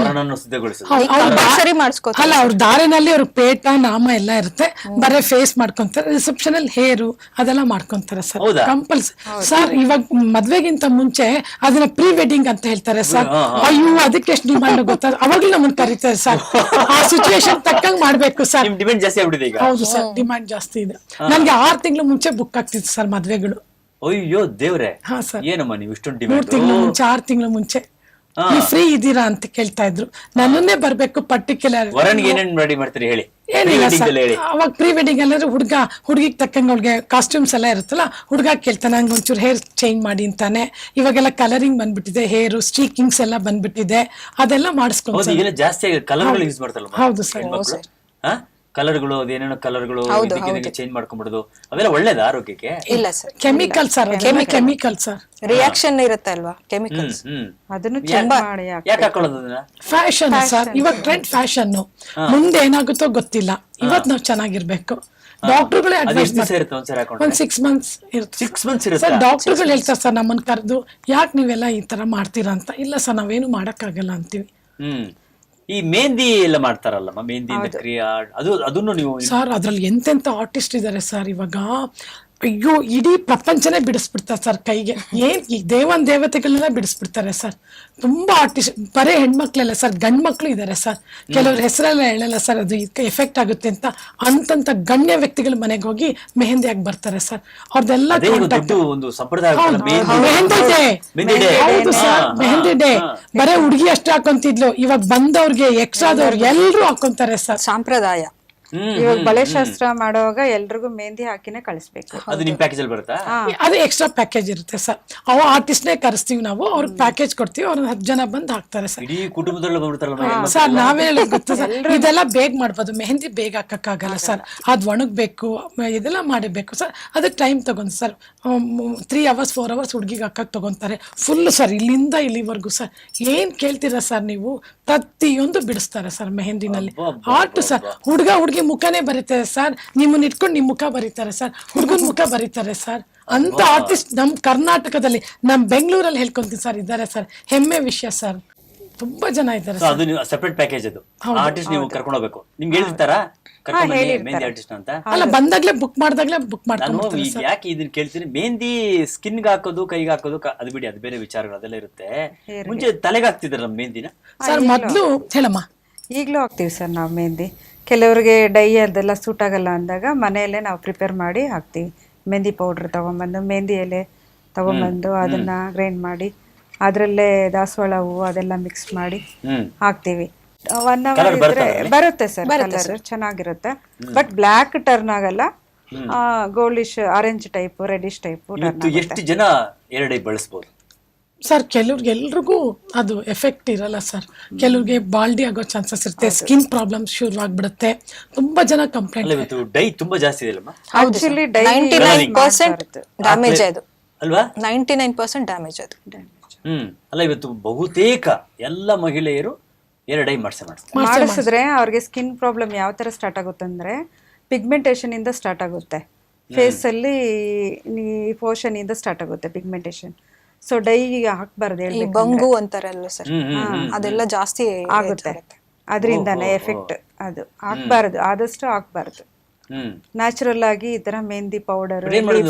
[SPEAKER 3] ಸರಿ ಮಾಡಿಸ್ಕೋತಾರೆ.
[SPEAKER 2] ಅಲ್ಲ ಅವ್ರ ದಾರಿನಲ್ಲಿ ಅವ್ರ ಪೇಟ ನಾಮ ಎಲ್ಲ ಇರುತ್ತೆ, ಬರೇ ಫೇಸ್ ಮಾಡ್ಕೊಂತಾರೆ. ರಿಸೆಪ್ಷನ್ ಅಲ್ಲಿ ಹೇರು ಅದೆಲ್ಲ ಮಾಡ್ಕೊಂತಾರೆ ಸರ್, ಕಂಪಲ್ಸರಿ ಸರ್. ಇವಾಗ ಮದ್ವೆಗಿಂತ ಮುಂಚೆ ಅದನ್ನ ಪ್ರೀ ವೆಡ್ಡಿಂಗ್ ಅಂತ ಹೇಳ್ತಾರೆ ಸರ್. ಅಯ್ಯೋ ಅದಕ್ಕೆ ಎಷ್ಟು ಡಿಮಾಂಡ್ ಗೊತ್ತಾ, ಅವಾಗ್ಲೂ ನಮ್ಮನ್ನ ಕರೀತಾರೆ ಸರ್. ಆ ಸಿಚುವೇಶನ್ ತಕ್ಕಂಗ್ ಮಾಡ್ಬೇಕು ಸರ್.
[SPEAKER 1] ಡಿಮಾಂಡ್ ಜಾಸ್ತಿ ಆಗ್ಬಿಟ್ಟಿದೆ ಈಗ.
[SPEAKER 2] ಹೌದು ಸರ್, ಡಿಮಾಂಡ್ ಜಾಸ್ತಿ ಇದೆ. ನನ್ಗೆ 6 ತಿಂಗಳು ಮುಂಚೆ ಬುಕ್ ಆಗ್ತಿತ್ತು ಸರ್ ಮದ್ವೆಗಳು.
[SPEAKER 1] ಅಯ್ಯೋ ದೇವ್ರೆ,
[SPEAKER 2] ಹಾ ಸರ್.
[SPEAKER 1] ಏನಮ್ಮ ನೀವು ಇಷ್ಟೊಂದು
[SPEAKER 2] 3
[SPEAKER 1] ಡಿಮಾಂಡ್?
[SPEAKER 2] ತಿಂಗಳು ಮುಂಚೆ 6 ತಿಂಗಳು ಮುಂಚೆ ನೀವು ಫ್ರೀ ಇದ್ದೀರಾ ಅಂತ ಕೇಳ್ತಾ ಇದ್ರು. ನನ್ನನ್ನೇ ಬರ್ಬೇಕು ಪರ್ಟಿಕ್ಯುಲರ್.
[SPEAKER 1] ವರನ್ಗೆ ಏನೇನ್ ರೆಡಿ ಮಾಡ್ತೀರಿ ಹೇಳಿ?
[SPEAKER 2] ಏನಿಲ್ಲ ಸರ್, ಅವಾಗ ಪ್ರೀ ವೆಡ್ಡಿಂಗ್ ಎಲ್ಲ ಹುಡುಗಿಗೆ ತಕ್ಕಂಗೆ ಅವ್ಳಿಗೆ ಕಾಸ್ಟ್ಯೂಮ್ಸ್ ಎಲ್ಲ ಇರುತ್ತಲ್ಲ, ಹುಡುಗ ಕೇಳ್ತಾನೆ ನಂಗೆ ಒಂಚೂರು ಹೇರ್ ಚೇಂಜ್ ಮಾಡಿ ಅಂತಾನೆ. ಇವಾಗೆಲ್ಲ ಕಲರಿಂಗ್ ಬಂದ್ಬಿಟ್ಟಿದೆ, ಹೇರ್ ಸ್ಟ್ರೀಕಿಂಗ್ಸ್ ಎಲ್ಲ ಬಂದ್ಬಿಟ್ಟಿದೆ, ಅದೆಲ್ಲ ಮಾಡಿಸ್ಕೊಂಡು
[SPEAKER 1] ಜಾಸ್ತಿ ಕಲರ್ಗಳು ಯೂಸ್ ಮಾಡ್ತಾರಲ್ಲ.
[SPEAKER 2] ಹೌದು ಸರ್,
[SPEAKER 1] ಕಲರ್ಗಳು ಅದೇನೇನೋ ಕಲರ್ಗಳು ಚೇಂಜ್ ಮಾಡ್ಕೊಂಡ್ಬಿಡೋದು, ಅವೆಲ್ಲ ಒಳ್ಳೇದ ಆರೋಗ್ಯಕ್ಕೆ?
[SPEAKER 3] ಇಲ್ಲ sir,
[SPEAKER 2] chemical sir, chemical sir,
[SPEAKER 3] reaction ಇರುತ್ತೆ ಅಲ್ವಾ ಕೆಮಿಕಲ್ಸ್.
[SPEAKER 4] ಅದನ್ನು ಚೆಕ್ ಮಾಡಿ
[SPEAKER 1] ಯಾಕೆ ಹಾಕೊಳ್ಳೋದು ಅದನ್ನ?
[SPEAKER 2] ಫ್ಯಾಷನ್ ಸರ್, ಇವಾಗ ಟ್ರೆಂಡ್ ಫ್ಯಾಷನ್. ಮುಂದೆ ಏನಾಗುತ್ತೋ ಗೊತ್ತಿಲ್ಲ, ಇವತ್ ನಾವ್ ಚೆನ್ನಾಗಿರ್ಬೇಕು. ಡಾಕ್ಟರ್ಗಳೇ ಅಡ್ವೈಸ್ ಮಾಡ್ತಾರೆ, ಒಂದ್ 6 months ಇರುತ್ತೆ ಸರ್. ಡಾಕ್ಟರ್ಗಳು ಹೇಳ್ತಾರೆ ಸರ್ ನಮ್ಮನ್ನ ಕರೆದು, ಯಾಕೆ ನೀವೆಲ್ಲ ಈ ತರ ಮಾಡ್ತೀರಾ ಅಂತ. ಇಲ್ಲ ಸರ್, ನಾವೇನು ಮಾಡಕ್ಕಾಗಲ್ಲ ಅಂತೀವಿ.
[SPEAKER 1] ಈ ಮೆಹಂದಿ ಎಲ್ಲ ಮಾಡ್ತಾರಲ್ಲಮ್ಮ, ಮೆಹಂದಿ ಕ್ರಿಯಾ, ಅದನ್ನು ನೀವು
[SPEAKER 2] ಸರ್ ಅದ್ರಲ್ಲಿ ಎಂತೆಂತ ಆರ್ಟಿಸ್ಟ್ ಇದಾರೆ ಸರ್ ಇವಾಗ. ಅಯ್ಯೋ ಇಡೀ ಪ್ರಪಂಚನೇ ಬಿಡಿಸ್ಬಿಡ್ತಾರೆ ಸರ್ ಕೈಗೆ. ಈ ದೇವತೆಗಳನ್ನೆಲ್ಲ ಬಿಡಿಸ್ಬಿಡ್ತಾರೆ ಸರ್. ತುಂಬಾ ಆರ್ಟಿಸ್ಟ್, ಬರೇ ಹೆಣ್ಮಕ್ಳೆಲ್ಲ ಸರ್, ಗಂಡ್ ಮಕ್ಳು ಇದಾರೆ ಸರ್. ಕೆಲವ್ರ ಹೆಸರೆಲ್ಲ ಹೇಳಲ್ಲ ಸರ್, ಅದು ಎಫೆಕ್ಟ್ ಆಗುತ್ತೆ ಅಂತ. ಅಂತಂತ ಗಣ್ಯ ವ್ಯಕ್ತಿಗಳ ಮನೆಗೆ ಹೋಗಿ ಮೆಹಂದಿ ಆಗಿ ಬರ್ತಾರೆ ಸರ್. ಅವ್ರದೆಲ್ಲ ಹೌದು ಸರ್, ಮೆಹಂದಿ ಡೇ ಬರೇ ಹುಡುಗಿ ಅಷ್ಟೇ ಹಾಕೊಂತಿದ್ಲು, ಇವಾಗ ಬಂದವ್ರಿಗೆ ಎಕ್ಸ್ಟ್ರಾದವ್ರಿಗೆ ಎಲ್ರು ಹಾಕೊಂತಾರೆ ಸರ್.
[SPEAKER 3] ಸಂಪ್ರದಾಯ
[SPEAKER 4] ಇವಾಗ ಬಳೆ ಶಾಸ್ತ್ರ ಮಾಡುವಾಗ ಎಲ್ರಿಗೂ ಮೆಹಂದಿ ಹಾಕಿನೇ ಕಳಿಸ್ಬೇಕು.
[SPEAKER 1] ಅದು ನಿಮ್ ಪ್ಯಾಕೇಜ್ ಅಲ್ಲಿ ಬರುತ್ತಾ?
[SPEAKER 2] ಅದು ಎಕ್ಸ್ಟ್ರಾ ಪ್ಯಾಕೇಜ್ ಇರುತ್ತೆ ಸರ್. ಅವ ಆರ್ಟಿಸ್ಟ್ನೇ ಕರೆಸ್ತೀವಿ ನಾವು, ಅವ್ರಿಗೆ ಪ್ಯಾಕೇಜ್ ಕೊಡ್ತೀವಿ, ಅವ್ರ 10 ಜನ ಬಂದು ಹಾಕ್ತಾರೆ ಸರ್.
[SPEAKER 1] ಇಡೀ ಕುಟುಂಬದಲ್ಲ ಬಂದ್ಬಿಡ್ತಾರಲ್ಲ
[SPEAKER 2] ಸರ್ ನಾವೇ ಹೇಳೋದು ಗೊತ್ತಾ ಸರ್, ಇದೆಲ್ಲ ಬೇಗ ಮಾಡ್ಬೋದು, ಮೆಹಂದಿ ಬೇಗ ಹಾಕಕ್ಕಾಗಲ್ಲ ಸರ್, ಅದು ಒಣಗಬೇಕು, ಇದೆಲ್ಲ ಮಾಡಬೇಕು ಸರ್, ಅದಕ್ಕೆ ಟೈಮ್ ತಗೊಂಡು ಸರ್ 3 hours 4 hours ಹುಡುಗಿಗೆ ಹಾಕಕ್ಕೆ ತಗೊಂತಾರೆ ಫುಲ್ ಸರ್, ಇಲ್ಲಿಂದ ಇಲ್ಲಿವರೆಗೂ ಸರ್. ಏನ್ ಕೇಳ್ತೀರಾ ಸರ್ ನೀವು, ಪ್ರತಿಯೊಂದು ಬಿಡಿಸ್ತಾರೆ ಸರ್ ಮೆಹಂದಿನಲ್ಲಿ. ಆರ್ಟ್ ಸರ್, ಹುಡುಗಿ ಮುಖನೇ ಬರೀತಾರೆ ಸರ್, ನಿಮ್ಮನ್ನ ಇಟ್ಕೊಂಡು ನಿಮ್ ಮುಖ ಬರೀತಾರೆ ಸರ್, ಹುಡುಗನ ಮುಖ ಬರೀತಾರೆ ಸರ್. ಅಂತ ಆರ್ಟಿಸ್ಟ್ ನಮ್ ಕರ್ನಾಟಕದಲ್ಲಿ, ನಮ್ ಬೆಂಗಳೂರಲ್ಲಿ ಹೇಳ್ಕೊಂತೀನಿ ಸರ್, ಇದ್ದಾರೆ ಸರ್. ಹೆಮ್ಮೆ ವಿಷಯ ಸರ್, ತುಂಬಾ ಜನ ಇದ್ದಾರೆ
[SPEAKER 1] ಸೊ ಅದು ಸೆಪರೇಟ್ ಪ್ಯಾಕೇಜ್. ಅದು ಆರ್ಟಿಸ್ಟ್ ನೀವು ಕರ್ಕೊಂಡು ಹೋಗ್ಬೇಕು. ನಿಮ್ಗೆ ಹೇಳಿರ್ತಾರಾ ಮೆಹಂದಿ ಆರ್ಟಿಸ್ಟ್ ಅಂತ?
[SPEAKER 2] ಅಲ್ಲ, ಬಂದಾಗ್ಲೇ ಬುಕ್ ಮಾಡ್ದಾಗ್ಲೇ ಬುಕ್
[SPEAKER 1] ನಾನು
[SPEAKER 2] ಮಾಡ್ಕೊಂಡು
[SPEAKER 1] ಈಗ ಯಾಕೆ ಇದನ್ನ ಕೇಳ್ತೀನಿ, ಮೆಹಂದಿ ಸ್ಕಿನ್ಗೆ ಹಾಕೋದು, ಕೈಗೆ ಹಾಕೋದು, ಅದು ಬಿಡಿ, ಅದು ಬೇರೆ ವಿಚಾರಗಳು, ಅದೆಲ್ಲ ಇರುತ್ತೆ. ಮುಂಚೆ ತಲೆಗೆ ಹಾಕ್ತಿದ್ರ ನಮ್ಮ ಮೆಹಂದಿನ
[SPEAKER 2] ಸರ್ ಮೊದ್ಲು ಹೇಳಮ್ಮ.
[SPEAKER 4] ಈಗಲೂ ಹಾಕ್ತೀವಿ ಸರ್ ನಾವು ಮೆಹಂದಿ. ಕೆಲವರಿಗೆ ಡೈ ಅದೆಲ್ಲ ಸೂಟ್ ಆಗಲ್ಲ ಅಂದಾಗ ಮನೆಯಲ್ಲೇ ನಾವು ಪ್ರಿಪೇರ್ ಮಾಡಿ ಹಾಕ್ತೀವಿ. ಮೆಹಂದಿ ಪೌಡ್ರ್ ತಗೊಂಬಂದು, ಮೆಹಂದಿ ಎಲೆ ತಗೊಂಬಂದು ಅದನ್ನ ಗ್ರೈಂಡ್ ಮಾಡಿ ಅದರಲ್ಲೇ ದಾಸವಾಳ ಹೂವು ಅದೆಲ್ಲ ಮಿಕ್ಸ್ ಮಾಡಿ ಹಾಕ್ತೀವಿ. 1 hour ಇದ್ರೆ ಬರುತ್ತೆ ಸರ್, ಕಲರ್ ಚೆನ್ನಾಗಿರುತ್ತೆ. ಬಟ್ ಬ್ಲ್ಯಾಕ್ ಟರ್ನ್ ಆಗಲ್ಲ, goldish orange type, reddish type turn.
[SPEAKER 1] ಎಷ್ಟು ಜನ ಎರಡೇ ಬಳಸ್ಬೋದು
[SPEAKER 2] ಸರ್? ಕೆಲವ್ರಿಗೆ ಎಲ್ರಿಗೂ ಅದು ಎಫೆಕ್ಟ್ ಇರಲ್ಲ ಸರ್. ಕೆಲವ್ರಿಗೆ ಬಾಲ್ಡಿ ಆಗೋ ಚಾನ್ಸಸ್ ಇರುತ್ತೆ, ಸ್ಕಿನ್ ಪ್ರಾಬ್ಲಮ್ಸ್ ಶುರು ಆಗ್ಬಿಡುತ್ತೆ. ತುಂಬಾ ಜನ ಕಂಪ್ಲೇಂಟ್.
[SPEAKER 1] ಇವತ್ತು ಡೈ ತುಂಬಾ ಜಾಸ್ತಿ ಇದೆ ಅಲ್ಲಮ್ಮ?
[SPEAKER 4] ಆಕ್ಚುಲಿ ಡೈ
[SPEAKER 3] 99% ಡ್ಯಾಮೇಜ್ ಅದು
[SPEAKER 1] ಅಲ್ವಾ?
[SPEAKER 3] 99% ಡ್ಯಾಮೇಜ್ ಅದು.
[SPEAKER 1] ಅಲ್ಲ, ಇವತ್ತು ಬಹುತೇಕ ಎಲ್ಲ ಮಹಿಳೆಯರು ಎರಡೈ
[SPEAKER 4] ಮಾಡಿಸಿದ್ರೆ ಅವ್ರಿಗೆ ಸ್ಕಿನ್ ಪ್ರಾಬ್ಲಮ್ ಯಾವ ತರ ಸ್ಟಾರ್ಟ್ ಆಗುತ್ತೆ ಅಂದ್ರೆ, ಪಿಗ್ಮೆಂಟೇಶನ್ ಇಂದ ಸ್ಟಾರ್ಟ್ ಆಗುತ್ತೆ. ಫೇಸ್ ಅಲ್ಲಿ ಪೋಷನ್ ಇಂದ ಸ್ಟಾರ್ಟ್ ಆಗುತ್ತೆ ಪಿಗ್ಮೆಂಟೇಶನ್. ಸೊ ಡೈ ಹಾಕ್ಬಾರ್ದು,
[SPEAKER 3] ಈ ಬಂಗು ಅಂತಾರಲ್ಲ ಸರ್, ಅದೆಲ್ಲ ಜಾಸ್ತಿ
[SPEAKER 4] ಆಗುತ್ತೆ. ಅದರಿಂದಾನೆ ಎಫೆಕ್ಟ್. ಅದು ಹಾಕ್ಬಾರ್ದು, ಆದಷ್ಟು ಹಾಕ್ಬಾರ್ದು. ನ್ಯಾಚುರಲ್ ಆಗಿ ಈ ತರ ಮೆಹಂದಿ ಪೌಡರ್,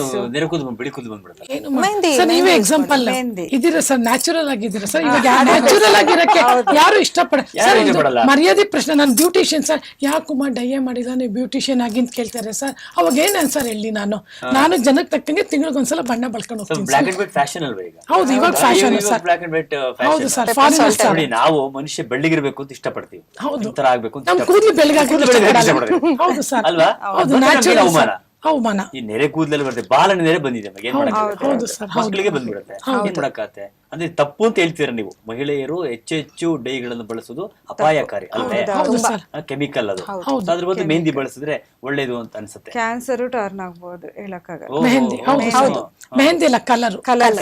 [SPEAKER 2] ನೀವೇ ಎಕ್ಸಾಂಪಲ್ ಇದೀರ ಸರ್, ನ್ಯಾಚುರಲ್ ಆಗಿದ್ದೀರಾ ಸರ್. ಇವಾಗ ನ್ಯಾಚುರಲ್ ಆಗಿರಕ್ಕೆ ಯಾರು ಇಷ್ಟಪಡ ಮರ್ಯಾದೆ ಪ್ರಶ್ನೆ. ನಾನು ಬ್ಯೂಟಿಷಿಯನ್ ಸರ್, ಯಾಕುಮ್ಮ ಡೈಯೇ ಮಾಡಿಲ್ಲ ನೀವು ಬ್ಯೂಟಿಷಿಯನ್ ಆಗಿ ಅಂತ ಕೇಳ್ತಾರೆ ಸರ್. ಅವಾಗ ಏನ್ ಸರ್ ಹೇಳಿ, ನಾನು ಜನಕ್ಕೆ ತಕ್ಕಂಗೆ ತಿಂಗಳಿಗೊಂದ್ಸಲ ಬಣ್ಣ ಬಳಸ್ಕೊಂಡು ಹೋಗ್ತೀನಿ. ಹೌದು, ಇವಾಗ ಫ್ಯಾಷನ್ ಸರ್. ಹೌದು ಸರ್, ಫಾರಿನರ್ ಸರ್.
[SPEAKER 1] ನಾವು ಮನುಷ್ಯ ಬೆಳ್ಳಿಗಿರ್ಬೇಕು ಅಂತ ಇಷ್ಟಪಡ್ತೀವಿ.
[SPEAKER 2] ಹೌದು,
[SPEAKER 1] ಆಗ್ಬೇಕು
[SPEAKER 2] ನಮ್ ಕೂದಲು ಬೆಳಗಾಗಿ. ಹೌದು ಸರ್,
[SPEAKER 1] ಅಲ್ವಾ?
[SPEAKER 2] ಹೌದು, ನ್ಯಾಚುರಲ್ ಅವಮಾನ.
[SPEAKER 1] ಈ ನೆರೆ ಕೂದಲಲ್ಲಿ ಬರುತ್ತೆ, ಬಾಲನ ನೆರೆ ಬಂದಿದೆ,
[SPEAKER 2] ಹೌದು ಸರ್,
[SPEAKER 1] ಮಕ್ಕಳಿಗೆ ಬಂದ್ಬಿಡುತ್ತೆ. ಏನ್ ಮಾಡಕ್ಕಾಗತ್ತೆ ಅಂದ್ರೆ ತಪ್ಪು ಅಂತ ಹೇಳ್ತೀರಾ ನೀವು. ಮಹಿಳೆಯರು ಹೆಚ್ಚು ಡೈಗಳನ್ನು ಬಳಸೋದು ಅಪಾಯಕಾರಿ ಅಲ್ವೇ? ಕೆಮಿಕಲ್ ಅದು. ಅದ್ರ ಬದಲು ಮೆಹಂದಿ ಬಳಸಿದ್ರೆ ಒಳ್ಳೇದು ಅಂತ ಅನ್ಸುತ್ತೆ.
[SPEAKER 4] ಕ್ಯಾನ್ಸರ್ ಟರ್ನ್ ಆಗ್ಬಹುದು, ಹೇಳಕ್ಕಾಗಲ್ಲ.
[SPEAKER 2] ಮೆಹಂದಿ, ಹೌದು, ಮೆಹಂದಿ ಅಲ್ಲ, ಕಲರ್.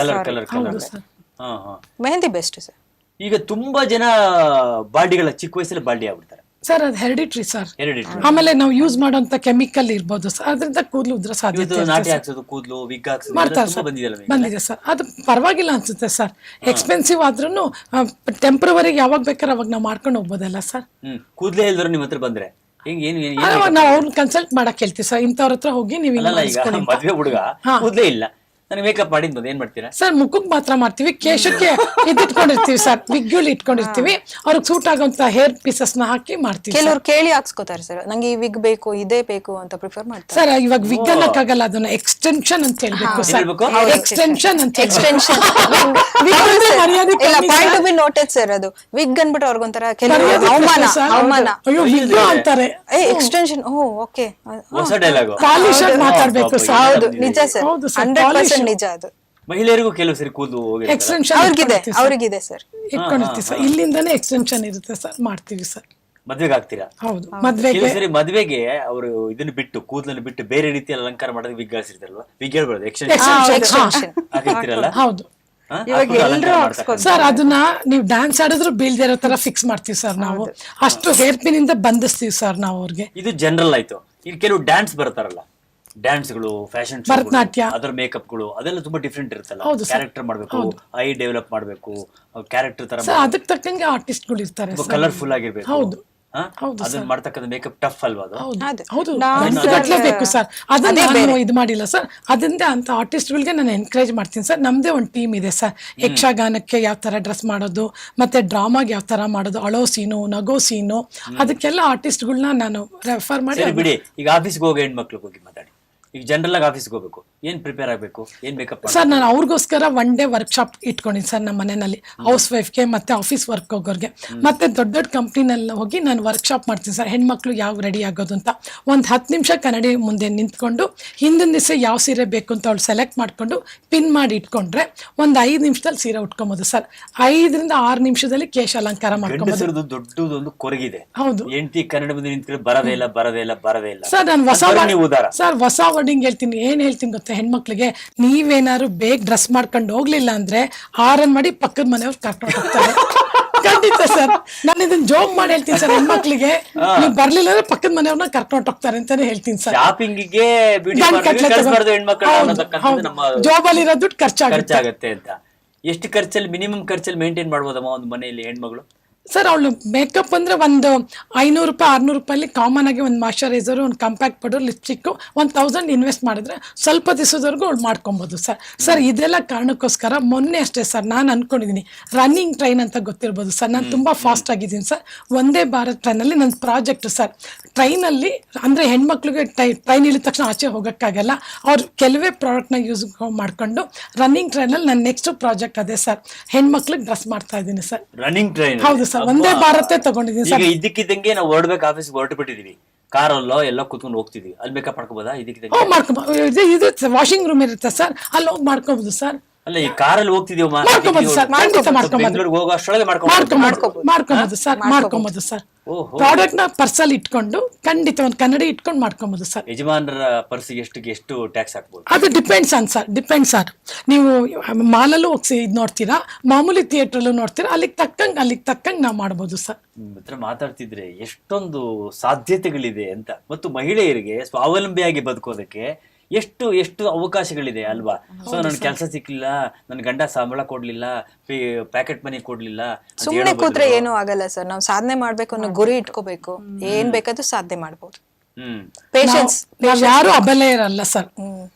[SPEAKER 3] Mehndi best sir.
[SPEAKER 1] ಈಗ ತುಂಬಾ ಜನ ಬಾಲ್ಡಿಗಳ ಚಿಕ್ಕ ವಯಸ್ಸಲ್ಲಿ ಬಾಲ್ಡಿ ಆಗ್ಬಿಡ್ತಾರೆ
[SPEAKER 2] ಸರ್. ಅದು ಹೆರಿಡಿಟ್ರಿ ಸರ್. ಆಮೇಲೆ ನಾವು ಯೂಸ್ ಮಾಡುವಂತ ಕೆಮಿಕಲ್ ಇರ್ಬೋದು ಸರ್, ಅದರಿಂದ ಕೂದಲು ಉದ್ರ ಸಾಧ್ಯತೆ
[SPEAKER 1] ನಾಟಿ ಹಾಕ್ಸೋದು, ಕೂದಲು ವಿಗ್
[SPEAKER 2] ಮಾಡ್ತಾರೆ ಸರ್. ಬಂದಿದೆ ಸರ್, ಅದು ಪರವಾಗಿಲ್ಲ ಅನ್ಸುತ್ತೆ ಸರ್. ಎಕ್ಸ್ಪೆನ್ಸಿವ್ ಆದ್ರೂ ಟೆಂಪ್ರವರಿ ಯಾವಾಗ ಬೇಕಾದ್ರೆ ಅವಾಗ ನಾವು ಮಾಡ್ಕೊಂಡು ಹೋಗ್ಬೋದಲ್ಲ ಸರ್.
[SPEAKER 1] ಕೂದಲೇ ಇಲ್ದ್ರು ನಿಮ್ಮ ಹತ್ರ ಬಂದ್ರೆ
[SPEAKER 2] ನಾವು ಅವ್ರನ್ನ ಕನ್ಸಲ್ಟ್ ಮಾಡಕ್ ಹೇಳ್ತೀವಿ ಸರ್. ಇಂಥವ್ರ ಹತ್ರ ಹೋಗಿ ನೀವು
[SPEAKER 1] ಮದ್ವೆ ಹುಡುಗ ಕೂದಲೇ ಇಲ್ಲ, ನನಗೆ ಮೇಕಪ್ ಮಾಡಿದ್ ಏನ್ ಮಾಡ್ತೀರಾ
[SPEAKER 2] ಸರ್? ಮುಖಕ್ಕೆ ಮಾತ್ರ ಮಾಡ್ತೀವಿ, ಕೇಶಕ್ಕೆ ಇಟ್ಕೊಂಡಿರ್ತೀವಿ ಸರ್, ವಿಗ್ಗಳು ಇಟ್ಕೊಂಡಿರ್ತೀವಿ. ಅವ್ರಿಗೆ ಸೂಟ್ ಆಗುವಂತ ಹೇರ್ ಪೀಸಸ್ ನ ಹಾಕಿ ಮಾಡ್ತೀವಿ.
[SPEAKER 3] ಕೆಲವ್ರು ಕೇಳಿ ಹಾಕ್ಸ್ಕೊತಾರೆ ಸರ್, ನಂಗೆ ಈ ವಿಗ್ ಬೇಕು, ಇದೇ ಬೇಕು ಅಂತ ಪ್ರಿಫರ್ ಮಾಡ್ತಾರೆ
[SPEAKER 2] ಸರ್. ಇವಾಗ ವಿಗ್ ಅನ್ನಕ್ಕಾಗಲ್ಲ, ಅದನ್ನ ಎಕ್ಸ್ಟೆನ್ಷನ್ ಅಂತ ಹೇಳ್ಬೇಕು ಸರ್. ಎಕ್ಸ್ಟೆನ್ಷನ್ ಅಂತ
[SPEAKER 3] ಎಕ್ಸ್ಟೆನ್ಷನ್ ನೋಟೆಡ್ ಸರ್. ಅದು ವಿಗ್ ಅನ್ಬಿಟ್ಟು ಅವ್ರಿಗೊಂಥರ ಕೆಲವು ಅವಮಾನ
[SPEAKER 2] ಅಂತಾರೆ.
[SPEAKER 3] ಎಕ್ಸ್ಟೆನ್ಷನ್, ಓಕೆ,
[SPEAKER 1] ಹೊಸ ಡೈಲಾಗ್
[SPEAKER 2] ಪಾಲಿಶ್ ಆಗಿ ಮಾತಾಡ್ಬೇಕು ಸರ್.
[SPEAKER 3] ಹೌದು, ನಿಜ ಸರ್, 100% ನಿಜ ಅದು.
[SPEAKER 1] ಮಹಿಳೆಯರಿಗೂ ಕೆಲವು ಸರಿ ಕೂದಲು
[SPEAKER 2] ಎಕ್ಸ್ಟೆನ್ಷನ್
[SPEAKER 3] ಅವ್ರಿಗಿದೆ ಸರ್,
[SPEAKER 2] ಇಟ್ಕೊಂಡಿರ್ತೀವಿ ಸರ್. ಇಲ್ಲಿಂದಾನೇ ಎಕ್ಸ್ಟೆನ್ಷನ್ ಇರುತ್ತೆ ಸರ್, ಮಾಡ್ತೀವಿ ಸರ್.
[SPEAKER 1] ಮದ್ವೆಗೆ ಆಗ್ತೀರಾ?
[SPEAKER 2] ಹೌದು,
[SPEAKER 1] ಕೆಲವು ಸರಿ ಮದ್ವೆಗೆ ಅವರು ಇದನ್ನ ಬಿಟ್ಟು, ಕೂದಲನ್ನು ಬಿಟ್ಟು ಬೇರೆ ರೀತಿಯಲ್ಲಿ ಅಲಂಕಾರ ಮಾಡೋದು ವಿಗ್ ಹಾಕ್ಸಿರ್ತಾರಲ್ವಾ, ವಿಗ್ ಹೇಳ್ಬಾರ್ದು, ಎಕ್ಸ್ಟೆನ್ಷನ್ ಹಾಕಿರ್ತೀರಲ್ಲ.
[SPEAKER 2] ಹೌದು ಸರ್, ಅದನ್ನ ನೀವು ಡ್ಯಾನ್ಸ್ ಆಡಿದ್ರು ಬೀಳ್ದೇ ಇರೋ ತರ ಫಿಕ್ಸ್ ಮಾಡ್ತೀವಿ ಸರ್ ನಾವು. ಅಷ್ಟು ಹೇರ್ ಪಿನ್ ಇಂದ ಬಂಧಿಸ್ತೀವಿ ಸರ್ ನಾವು ಅವ್ರಿಗೆ.
[SPEAKER 1] ಇದು ಜನರಲ್ ಆಯ್ತು. ಈಗ ಕೆಲವು ಡ್ಯಾನ್ಸ್ ಬರ್ತಾರಲ್ಲ, ಡ್ಯಾನ್ಸ್ಗಳು, ಫ್ಯಾಷನ್ ಶೋ,
[SPEAKER 2] ಭರತನಾಟ್ಯ,
[SPEAKER 1] ಅದರ ಮೇಕಪ್ಗಳು, ಅದೆಲ್ಲ ತುಂಬಾ ಡಿಫ್ರೆಂಟ್ ಇರುತ್ತಲ್ಲ. ಕ್ಯಾರೆಕ್ಟರ್ ಮಾಡ್ಬೇಕು, ಐ ಡೆವಲಪ್ ಮಾಡ್ಬೇಕು, ಕ್ಯಾರೆಕ್ಟರ್ ತರ
[SPEAKER 2] ಅದಕ್ಕೆ ತಕ್ಕಂಗೆ ಆರ್ಟಿಸ್ಟ್ಗಳು ಇರ್ತಾರೆ,
[SPEAKER 1] ಕಲರ್ಫುಲ್ ಆಗಿರ್ಬೇಕು.
[SPEAKER 2] ಹೌದು,
[SPEAKER 1] ಅದನ್ನ ಮಾಡ್ತಕ್ಕಂಥ ಮೇಕಪ್ ಟಫ್ ಅಲ್ವಾ ಅದು?
[SPEAKER 2] ಹೌದು, ಬೇಕು ಸರ್. ಅದನ್ನ ನಾನು ಇದು ಮಾಡಿಲ್ಲ ಸರ್. ಅದರಿಂದ ಅಂತ ಆರ್ಟಿಸ್ಟ್ಗಳಿಗೆ ನಾನು ಎನ್ಕರೇಜ್ ಮಾಡ್ತೀನಿ ಸರ್. ನಮ್ದೇ ಒಂದು ಟೀಮ್ ಇದೆ ಸರ್. ಯಕ್ಷಗಾನಕ್ಕೆ ಯಾವ ತರ ಡ್ರೆಸ್ ಮಾಡೋದು, ಮತ್ತೆ ಡ್ರಾಮಾಗೆ ಯಾವ ತರ ಮಾಡೋದು, ಅಳೋ ಸೀನು, ನಗೋ ಸೀನು, ಅದಕ್ಕೆಲ್ಲ ಆರ್ಟಿಸ್ಟ್ಗಳನ್ನ ನಾನು ರೆಫರ್ ಮಾಡಿ.
[SPEAKER 1] ಬಿಡಿ, ಈಗ ಆಫೀಸ್ಗೆ ಹೋಗೋ ಹೆಣ್ಮಕ್ಳು ಹೋಗಿ ಮಾತಾಡಿ, ಈಗ ಜನರಲ್ ಆಗಿ ಆಫೀಸ್ಗೆ ಹೋಗ್ಬೇಕು, ಏನ್ ಪ್ರಿಪೇರ್ ಆಗ್ಬೇಕು, ಏನ್ ಮೇಕಪ್?
[SPEAKER 2] ಸರ್ ನಾನು ಅವ್ರಿಗೋಸ್ಕರ 1 day ವರ್ಕ್ಶಾಪ್ ಇಟ್ಕೊಂಡಿನಿ ಸರ್ ನಮ್ಮ ಮನೆಯಲ್ಲಿ, ಹೌಸ್ ವೈಫ್ಗೆ ಮತ್ತೆ ಆಫೀಸ್ ವರ್ಕ್ ಹೋಗೋರ್ಗೆ, ಮತ್ತೆ ದೊಡ್ಡ ದೊಡ್ಡ ಕಂಪ್ನಿನೆಲ್ಲ ಹೋಗಿ ನಾನು ವರ್ಕ್ಶಾಪ್ ಮಾಡ್ತೀನಿ ಸರ್. ಹೆಣ್ಮಕ್ಳು ಯಾವ ರೆಡಿ ಆಗೋದು ಅಂತ ಒಂದು 10 ನಿಮಿಷ ಕನ್ನಡಿ ಮುಂದೆ ನಿಂತ್ಕೊಂಡು ಹಿಂದಿನ ದಿವಸ ಯಾವ ಸೀರೆ ಬೇಕು ಅಂತ ಅವಳು ಸೆಲೆಕ್ಟ್ ಮಾಡ್ಕೊಂಡು ಪಿನ್ ಮಾಡಿ ಇಟ್ಕೊಂಡ್ರೆ ಒಂದು 5 ನಿಮಿಷದಲ್ಲಿ ಸೀರೆ ಉಟ್ಕೊಬೋದು ಸರ್. 5 ರಿಂದ 6 ನಿಮಿಷದಲ್ಲಿ ಕೇಶ ಅಲಂಕಾರ ಮಾಡ್ಕೊಬೋದು.
[SPEAKER 1] ದೊಡ್ಡದೊಂದು ಕೊರಗಿದೆ,
[SPEAKER 2] ಹೌದು.
[SPEAKER 1] ಹೆಂಡತಿ ಕನ್ನಡ ಮುಂದೆ ನಿಂತ್ಕೊಂಡು ಬರದೇ ಇಲ್ಲ
[SPEAKER 2] ಸರ್ ನಾನು
[SPEAKER 1] ಉದಾರ
[SPEAKER 2] ಸರ್ ಹೊಸ ವರ್ಡಿಂಗ್ ಹೇಳ್ತೀನಿ. ಏನ್ ಹೇಳ್ತೀನಿ ಗೊತ್ತಾ, ಹೆಣ್ಮಕ್ಳಿಗೆ ನೀವೇನಾದ್ರು ಬೇಗ ಡ್ರೆಸ್ ಮಾಡ್ಕೊಂಡು ಹೋಗ್ಲಿಲ್ಲ ಅಂದ್ರೆ ಆರನ್ ಮಾಡಿ ಪಕ್ಕದ ಮನೆಯವ್ರು ಕರ್ಕೊಂಡು ಹೋಗ್ತಾರೆ. ಖಂಡಿತ ಸರ್, ನಾನು ಇದನ್ನ ಜೋಕ್ ಮಾಡಿ ಹೇಳ್ತೀನಿ ಸರ್. ಹೆಣ್ಮಕ್ಳಿಗೆ ನೀವು ಬರ್ಲಿಲ್ಲ ಅಂದ್ರೆ ಪಕ್ಕದ ಮನೆಯವ್ರನ್ನ ಕರ್ಕೊಂಡು ಹೋಗ್ತಾರೆ ಅಂತಾನೆ ಹೇಳ್ತೀನಿ ಸರ್.
[SPEAKER 1] ಶಾಪಿಂಗಿಗೆ
[SPEAKER 2] ಜಾಬಲ್ಲಿ ಇರೋ ದುಡ್ಡು
[SPEAKER 1] ಖರ್ಚಾಗತ್ತೆ ಅಂತ. ಎಷ್ಟು ಖರ್ಚಲ್ಲಿ ಮಿನಿಮಮ್ ಖರ್ಚಲ್ಲಿ ಮೇಂಟೈನ್ ಮಾಡ್ಬೋದಮ್ಮ ಒಂದು ಮನೆಯಲ್ಲಿ ಹೆಣ್ಮಗಳು?
[SPEAKER 2] ಸರ್ ಅವಳು ಮೇಕಪ್ ಅಂದ್ರೆ ಒಂದು 500 ರೂಪಾಯಿ 600 ರೂಪಾಯಲ್ಲಿ ಕಾಮನ್ ಆಗಿ ಒಂದು ಮಾಯಶ್ಚರೈಸರ್, ಒಂದು ಕಾಂಪ್ಯಾಕ್ಟ್ ಪೌಡರ್, ಲಿಪ್ಸ್ಟಿಕ್ 1000 ಇನ್ವೆಸ್ಟ್ ಮಾಡಿದ್ರೆ ಸ್ವಲ್ಪ ದಿವಸದವರೆಗೂ ಅವಳು ಮಾಡ್ಕೊಬೋದು ಸರ್. ಸರ್ ಇದೆಲ್ಲ ಕಾರಣಕ್ಕೋಸ್ಕರ ಮೊನ್ನೆ ಅಷ್ಟೇ ಸರ್ ನಾನು ಅನ್ಕೊಂಡಿದ್ದೀನಿ, ರನ್ನಿಂಗ್ ಟ್ರೈನ್ ಅಂತ ಗೊತ್ತಿರ್ಬೋದು ಸರ್. ನಾನು ತುಂಬಾ ಫಾಸ್ಟ್ ಆಗಿದ್ದೀನಿ ಸರ್. ವಂದೇ ಭಾರತ್ ಟ್ರೈನಲ್ಲಿ ನನ್ನ ಪ್ರಾಜೆಕ್ಟ್ ಸರ್. ಟ್ರೈನಲ್ಲಿ ಅಂದ್ರೆ ಹೆಣ್ಮಕ್ಳಿಗೆ ಟ್ರೈನ್ ಇಳಿದ ತಕ್ಷಣ ಆಚೆ ಹೋಗೋಕ್ಕಾಗಲ್ಲ, ಅವ್ರು ಕೆಲವೇ ಪ್ರಾಡಕ್ಟ್ನ ಯೂಸ್ ಮಾಡ್ಕೊಂಡು ರನ್ನಿಂಗ್ ಟ್ರೈನಲ್ಲಿ ನನ್ನ ನೆಕ್ಸ್ಟ್ ಪ್ರಾಜೆಕ್ಟ್ ಅದೇ ಸರ್. ಹೆಣ್ಮಕ್ಳಿಗೆ ಡ್ರೆಸ್ ಮಾಡ್ತಾ ಇದ್ದೀನಿ ಸರ್.
[SPEAKER 1] Running train?
[SPEAKER 2] ಹೌದು ಸರ್, ಒಂದೇ ಭಾರತ ತಗೊಂಡಿದ್ದೀನಿ ಸರ್.
[SPEAKER 1] ಈಗ ಇದ್ದಕ್ಕಿದ್ದಂಗೆ ನಾವು ಹೊರಡ್ಬೇಕು, ಆಫೀಸ್ಗೆ ಹೊರಟು ಬಿಟ್ಟಿದೀವಿ, ಕಾರಲ್ಲೋ ಎಲ್ಲ ಕುತ್ಕೊಂಡು ಹೋಗ್ತಿದೀವಿ, ಅಲ್ಲಿ ಮೇಕಪ್ ಮಾಡ್ಕೋಬೋದಾ? ಇದಕ್ಕಿದ್ದಂಗೆ
[SPEAKER 2] ಮಾಡ್ಕೋಬಹುದು. ಇದು ವಾಷಿಂಗ್ ರೂಮ್ ಇರುತ್ತೆ ಸರ್, ಅಲ್ಲಿ ಹೋಗಿ ಮಾಡ್ಕೋಬಹುದು ಸರ್.
[SPEAKER 1] ಅಲ್ಲ ಈ ಕಾರಲ್ಲಿ ಹೋಗ್ತಿದೀವಿ
[SPEAKER 2] ಮಾಡ್ಕೋಬಹುದು ಸರ್, ಖಂಡಿತ
[SPEAKER 1] ಬೆಂಗಳೂರಿಗೆ ಹೋಗೋ ಅಷ್ಟೊಳಗೆ
[SPEAKER 2] ಮಾಡ್ಕೋಬಹುದು ಸರ್. ಮಾಡ್ಕೋಬಹುದು ಸರ್. ಪ್ರಾಡಕ್ಟ್ ನ ಪರ್ಸಲ್ಲಿ ಇಟ್ಕೊಂಡು ಖಂಡಿತ ಒಂದು ಕನ್ನಡಿ ಇಟ್ಕೊಂಡು ಮಾಡ್ಕೋಬಹುದು ಸರ್.
[SPEAKER 1] ಯಜಮಾನರ ಪರ್ಸಿಗೆ ಎಷ್ಟು ಟ್ಯಾಕ್ಸ್ ಹಾಕ್ಬೋದು?
[SPEAKER 2] ಅದು ಡಿಪೆಂಡ್ಸ್ ಸರ್. ನೀವು ಮಾಲಲ್ಲೂ ಹೋಗಿ ಇದು ನೋಡ್ತೀರಾ, ಮಾಮೂಲಿ ಥಿಯೇಟರ್ ನೋಡ್ತೀರಾ, ಅಲ್ಲಿಗೆ ತಕ್ಕಂಗೆ ನಾವು ಮಾಡ್ಬೋದು ಸರ್.
[SPEAKER 1] ಹತ್ರ ಮಾತಾಡ್ತಿದ್ರೆ ಎಷ್ಟೊಂದು ಸಾಧ್ಯತೆಗಳಿದೆ ಅಂತ, ಮತ್ತು ಮಹಿಳೆಯರಿಗೆ ಸ್ವಾವಲಂಬಿಯಾಗಿ ಬದುಕೋದಕ್ಕೆ ಎಷ್ಟು ಅವಕಾಶಗಳಿದೆ ಅಲ್ವಾ? ಸೊ ನನ್ ಕೆಲಸ ಸಿಕ್ಲಿಲ್ಲ, ನನ್ ಗಂಡ ಸಂಬಳ ಕೊಡ್ಲಿಲ್ಲ, ಪ್ಯಾಕೆಟ್ ಮನಿ ಕೊಡ್ಲಿಲ್ಲ,
[SPEAKER 3] ಸುಮ್ಮನೆ ಕೂತ್ರೆ ಏನೂ ಆಗಲ್ಲ ಸರ್. ನಾವು ಸಾಧನೆ ಮಾಡ್ಬೇಕು ಅನ್ನೋ ಗುರಿ ಇಟ್ಕೋಬೇಕು, ಏನ್ ಬೇಕಾದ್ರೂ ಸಾಧನೆ ಮಾಡ್ಬೋದು. ಪೇಷನ್ಸ್
[SPEAKER 2] ಯಾರು ಅಬಲೆ ಇರಲ್ಲ ಸರ್.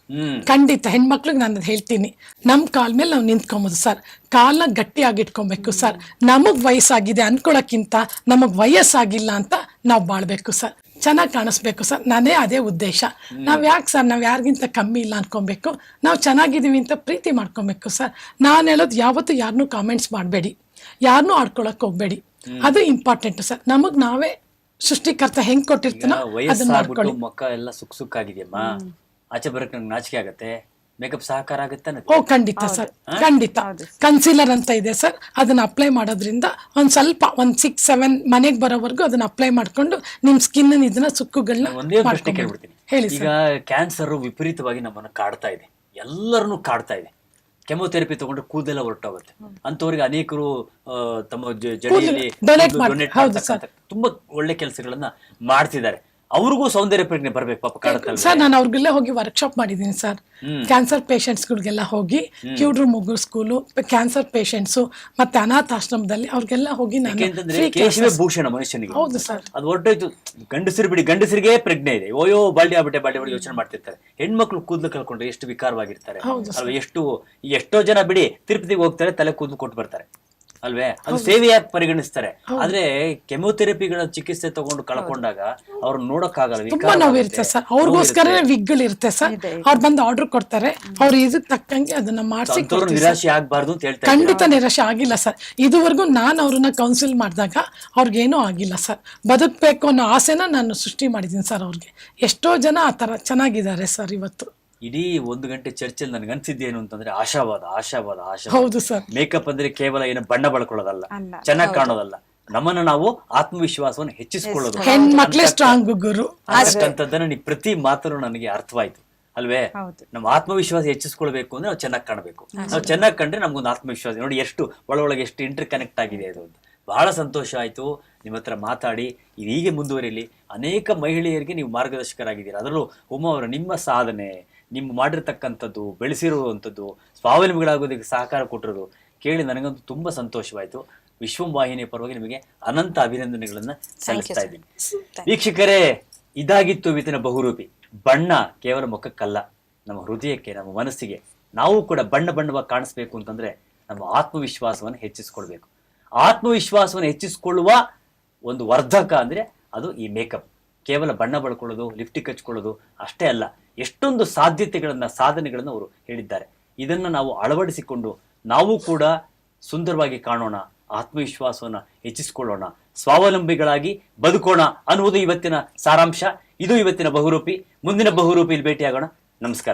[SPEAKER 2] ಖಂಡಿತ ಹೆಣ್ಮಕ್ಳಿಗೆ ನಾನು ಹೇಳ್ತೀನಿ, ನಮ್ ಕಾಲ್ ಮೇಲೆ ನಾವು ನಿಂತ್ಕೊಬೋದು ಸರ್. ಕಾಲ್ನ ಗಟ್ಟಿಯಾಗಿ ಇಟ್ಕೊಬೇಕು ಸರ್. ನಮಗ್ ವಯಸ್ಸಾಗಿದೆ ಅನ್ಕೊಳಕ್ಕಿಂತ ನಮಗ್ ವಯಸ್ಸಾಗಿಲ್ಲ ಅಂತ ನಾವು ಬಾಳ್ಬೇಕು ಸರ್. ಚೆನ್ನಾಗಿ ಕಾಣಿಸ್ಬೇಕು ಸರ್. ನಾನೇ ಅದೇ ಉದ್ದೇಶ. ನಾವ್ ಯಾಕೆ ಸರ್ ನಾವ್ ಯಾರಿಗಿಂತ ಕಮ್ಮಿ ಇಲ್ಲ ಅನ್ಕೊಬೇಕು, ನಾವು ಚೆನ್ನಾಗಿದೀವಿ ಅಂತ ಪ್ರೀತಿ ಮಾಡ್ಕೊಬೇಕು ಸರ್. ನಾನು ಹೇಳೋದು ಯಾವತ್ತೂ ಯಾರನ್ನೂ ಕಾಮೆಂಟ್ಸ್ ಮಾಡಬೇಡಿ, ಯಾರನ್ನೂ ಆಡ್ಕೊಳಕ್ ಹೋಗ್ಬೇಡಿ, ಅದು ಇಂಪಾರ್ಟೆಂಟ್ ಸರ್. ನಮಗ್ ನಾವೇ ಸೃಷ್ಟಿಕರ್ತ ಹೆಂಗ್ ಕೊಟ್ಟಿರ್ತಾನೋ ಅದನ್ನ ಮಾಡ್ಕೊಳ್ಳಿ.
[SPEAKER 1] ಮುಖ ಎಲ್ಲ ಸುಕ್ಕಾಗಿದೆಯಮ್ಮ, ಆಚೆ ಬರಕ್ ನಂಗೆ ನಾಚಿಕೆ ಆಗತ್ತೆ, ಮೇಕಪ್ ಸಹಕಾರ ಆಗುತ್ತೆ.
[SPEAKER 2] ಓ ಖಂಡಿತ ಸರ್, ಖಂಡಿತ. ಕನ್ಸೀಲರ್ ಅಂತ ಇದೆ ಸರ್, ಅದನ್ನ ಅಪ್ಲೈ ಮಾಡೋದ್ರಿಂದ ಒಂದ್ ಸ್ವಲ್ಪ 6-7 ಮನೆಗೆ ಬರೋವರೆಗೂ ಅದನ್ನ ಅಪ್ಲೈ ಮಾಡ್ಕೊಂಡು ನಿಮ್ ಸ್ಕಿನ್ ಇದನ್ನ ಸುಕ್ಕುಗಳನ್ನ
[SPEAKER 1] ಒಂದೇ ಪ್ರಶ್ನೆ ಕೇಳ್ಬಿಡ್ತೀನಿ.
[SPEAKER 2] ಹೇಳಿ
[SPEAKER 1] ಈಗ ಕ್ಯಾನ್ಸರ್ ವಿಪರೀತವಾಗಿ ನಮ್ಮನ್ನ ಕಾಡ್ತಾ ಇದೆ, ಎಲ್ಲರನ್ನು ಕಾಡ್ತಾ ಇದೆ. ಕೆಮೊಥೆರಪಿ ತಗೊಂಡ್ರೆ ಕೂದಲೆಲ್ಲ ಹೊರಟೋಗುತ್ತೆ. ಅಂತವ್ರಿಗೆ ಅನೇಕರು ತಮ್ಮ ಜಡೆಯಲ್ಲಿ ಡೊನೇಟ್ ತುಂಬಾ ಒಳ್ಳೆ ಕೆಲಸಗಳನ್ನ ಮಾಡ್ತಿದ್ದಾರೆ. ಅವ್ರಿಗೂ ಸೌಂದರ್ಯ ಪ್ರಜ್ಞೆ ಬರ್ಬೇಕು ಪಾಪ, ಕಾಡುತ್ತಲ್ಲ
[SPEAKER 2] ಸರ್. ನಾನು ಅವ್ರಿಗೆಲ್ಲ ಹೋಗಿ ವರ್ಕ್ಶಾಪ್ ಮಾಡಿದ್ದೀನಿ ಸರ್. ಕ್ಯಾನ್ಸರ್ ಪೇಷಂಟ್ಸ್ಗಳಿಗೆಲ್ಲ ಹೋಗಿ ಕ್ಯೂಡ್ರು ಮುಗ್ಗು ಸ್ಕೂಲು, ಕ್ಯಾನ್ಸರ್ ಪೇಷಂಟ್ಸು ಮತ್ತೆ ಅನಾಥಾಶ್ರಮದಲ್ಲಿ ಅವ್ರಿಗೆಲ್ಲ ಹೋಗಿ
[SPEAKER 1] ಕೇಶವೇ ಭೂಷಣ ಮನುಷ್ಯನಿಗೆ.
[SPEAKER 2] ಹೌದು ಸರ್.
[SPEAKER 1] ಅದು ಹೊರಟೋಯ್ತು. ಗಂಡಸರು ಬಿಡಿ, ಗಂಡಸರಿಗೆ ಪ್ರಜ್ಞೆ ಇದೆ. ಓಯೋ ಬಾಲ್ಡಿ ಆಗ್ಬಿಟ್ಟೆ ಯೋಚನೆ ಮಾಡ್ತಿರ್ತಾರೆ. ಹೆಣ್ಮಕ್ಳು ಕೂದಲು ಕಳ್ಕೊಂಡ್ರೆ ಎಷ್ಟು ವಿಕಾರವಾಗಿರ್ತಾರೆ ಅಲ್ವಾ? ಎಷ್ಟೋ ಜನ ಬಿಡಿ ತಿರುಪತಿಗೆ ಹೋಗ್ತಾರೆ, ತಲೆ ಕೂದಲು ಕೊಟ್ಟು ಬರ್ತಾರೆ ಅಲ್ವೇ? ಅದು ಸೇವೆಯಾಗಿ ಪರಿಗಣಿಸ್ತಾರೆ. ಆದ್ರೆ ಕೆಮೊಥೆರಪಿಗಳ ಚಿಕಿತ್ಸೆ ತಗೊಂಡು ಕಳ್ಕೊಂಡಾಗ ಅವ್ರು ನೋಡಕ್ಕಾಗಲ್ಲ,
[SPEAKER 2] ತುಂಬಾ ನೋವಿರುತ್ತೆ ಸರ್. ಅವ್ರಿಗೋಸ್ಕರ ವಿಗ್ಗಳು ಇರುತ್ತೆ ಸರ್. ಅವ್ರು ಬಂದು ಆರ್ಡರ್ ಕೊಡ್ತಾರೆ, ಅವ್ರು ಇದಕ್ ತಕ್ಕಂಗೆ ಅದನ್ನ ಮಾಡಿಸಿ.
[SPEAKER 1] ನಿರಾಶೆ ಆಗ್ಬಾರ್ದು ಅಂತ ಹೇಳ್ತಾರೆ.
[SPEAKER 2] ಖಂಡಿತ ನಿರಾಶೆ ಆಗಿಲ್ಲ ಸರ್. ಇದುವರೆಗೂ ನಾನು ಅವ್ರನ್ನ ಕೌನ್ಸಿಲ್ ಮಾಡಿದಾಗ ಅವ್ರಿಗೇನೂ ಆಗಿಲ್ಲ ಸರ್. ಬದುಕ್ಬೇಕು ಅನ್ನೋ ಆಸೆನ ನಾನು ಸೃಷ್ಟಿ ಮಾಡಿದ್ದೀನಿ ಸರ್ ಅವ್ರಿಗೆ. ಎಷ್ಟೋ ಜನ ಆ ತರ ಚೆನ್ನಾಗಿದ್ದಾರೆ ಸರ್ ಇವತ್ತು.
[SPEAKER 1] ಇಡೀ 1 ಗಂಟೆ ಚರ್ಚೆಯಲ್ಲಿ ನನಗೆ ಅನ್ಸಿದ್ದೇನು ಅಂತಂದ್ರೆ ಆಶಾವಾದ.
[SPEAKER 2] ಹೌದು ಸರ್.
[SPEAKER 1] ಮೇಕಪ್ ಅಂದ್ರೆ ಕೇವಲ ಏನು ಬಣ್ಣ ಬಳಕೊಳ್ಳೋದಲ್ಲ, ಚೆನ್ನಾಗಿ ಕಾಣೋದಲ್ಲ, ನಮ್ಮನ್ನ ನಾವು ಆತ್ಮವಿಶ್ವಾಸವನ್ನು ಹೆಚ್ಚಿಸಿಕೊಳ್ಳೋದು.
[SPEAKER 2] ಹೆಣ್ಮಕ್ಳೇ ಸ್ಟ್ರಾಂಗ್ ಗುರು
[SPEAKER 1] ಅಷ್ಟಂತದ್ದನ್ನ ನೀವು ಪ್ರತಿ ಮಾತನ್ನು ನನಗೆ ಅರ್ಥವಾಯ್ತು ಅಲ್ವೇ? ನಮ್ಮ ಆತ್ಮವಿಶ್ವಾಸ ಹೆಚ್ಚಿಸ್ಕೊಳ್ಬೇಕು ಅಂದ್ರೆ ನಾವು ಚೆನ್ನಾಗಿ ಕಾಣಬೇಕು. ನಾವು ಚೆನ್ನಾಗಿ ಕಂಡ್ರೆ ನಮ್ಗೊಂದು ಆತ್ಮವಿಶ್ವಾಸ. ನೋಡಿ ಎಷ್ಟು ಒಳಗೆ ಎಷ್ಟು ಇಂಟರ್ ಕನೆಕ್ಟ್ ಆಗಿದೆ ಅದು ಅಂತ. ಬಹಳ ಸಂತೋಷ ಆಯ್ತು ನಿಮ್ಮ ಹತ್ರ ಮಾತಾಡಿ. ಇದು ಹೀಗೆ ಮುಂದುವರಿಲಿ. ಅನೇಕ ಮಹಿಳೆಯರಿಗೆ ನೀವು ಮಾರ್ಗದರ್ಶಕರಾಗಿದ್ದೀರಾ. ಅದರಲ್ಲೂ ಉಮಾ ಅವರ ನಿಮ್ಮ ಸಾಧನೆ, ನಿಮ್ಮ ಮಾಡಿರ್ತಕ್ಕಂಥದ್ದು, ಬೆಳೆಸಿರುವಂಥದ್ದು, ಸ್ವಾವಲಂಬಿಗಳಾಗೋದಕ್ಕೆ ಸಹಕಾರ ಕೊಟ್ಟಿರೋದು ಕೇಳಿ ನನಗಂತೂ ತುಂಬಾ ಸಂತೋಷವಾಯಿತು. ವಿಶ್ವಂ ವಾಹಿನಿಯ ಪರವಾಗಿ ನಿಮಗೆ ಅನಂತ ಅಭಿನಂದನೆಗಳನ್ನ ಸಲ್ಲಿಸ್ತಾ ಇದ್ದೀನಿ. ವೀಕ್ಷಕರೇ, ಇದಾಗಿತ್ತು ವಿತಿನ ಬಹುರೂಪಿ. ಬಣ್ಣ ಕೇವಲ ಮುಖಕ್ಕಲ್ಲ, ನಮ್ಮ ಹೃದಯಕ್ಕೆ, ನಮ್ಮ ಮನಸ್ಸಿಗೆ. ನಾವು ಕೂಡ ಬಣ್ಣವಾಗಿ ಕಾಣಿಸ್ಬೇಕು ಅಂತಂದ್ರೆ ನಮ್ಮ ಆತ್ಮವಿಶ್ವಾಸವನ್ನು ಹೆಚ್ಚಿಸ್ಕೊಳ್ಬೇಕು. ಆತ್ಮವಿಶ್ವಾಸವನ್ನು ಹೆಚ್ಚಿಸಿಕೊಳ್ಳುವ ಒಂದು ವರ್ಧಕ ಅಂದ್ರೆ ಅದು ಈ ಮೇಕಪ್. ಕೇವಲ ಬಣ್ಣ ಬಳ್ಕೊಳ್ಳೋದು, ಲಿಪ್ಟಿಕ್ ಹಚ್ಕೊಳ್ಳೋದು ಅಷ್ಟೇ ಅಲ್ಲ. ಎಷ್ಟೊಂದು ಸಾಧ್ಯತೆಗಳನ್ನ ಸಾಧನೆಗಳನ್ನ ಅವರು ಹೇಳಿದ್ದಾರೆ. ಇದನ್ನ ನಾವು ಅಳವಡಿಸಿಕೊಂಡು ನಾವು ಕೂಡ ಸುಂದರವಾಗಿ ಕಾಣೋಣ, ಆತ್ಮವಿಶ್ವಾಸವನ್ನ ಹೆಚ್ಚಿಸಿಕೊಳ್ಳೋಣ, ಸ್ವಾವಲಂಬಿಗಳಾಗಿ ಬದುಕೋಣ ಅನ್ನುವುದು ಇವತ್ತಿನ ಸಾರಾಂಶ. ಇದು ಇವತ್ತಿನ ಬಹುರೂಪಿ. ಮುಂದಿನ ಬಹುರೂಪಿಯಲ್ಲಿ ಭೇಟಿಯಾಗೋಣ. ನಮಸ್ಕಾರ.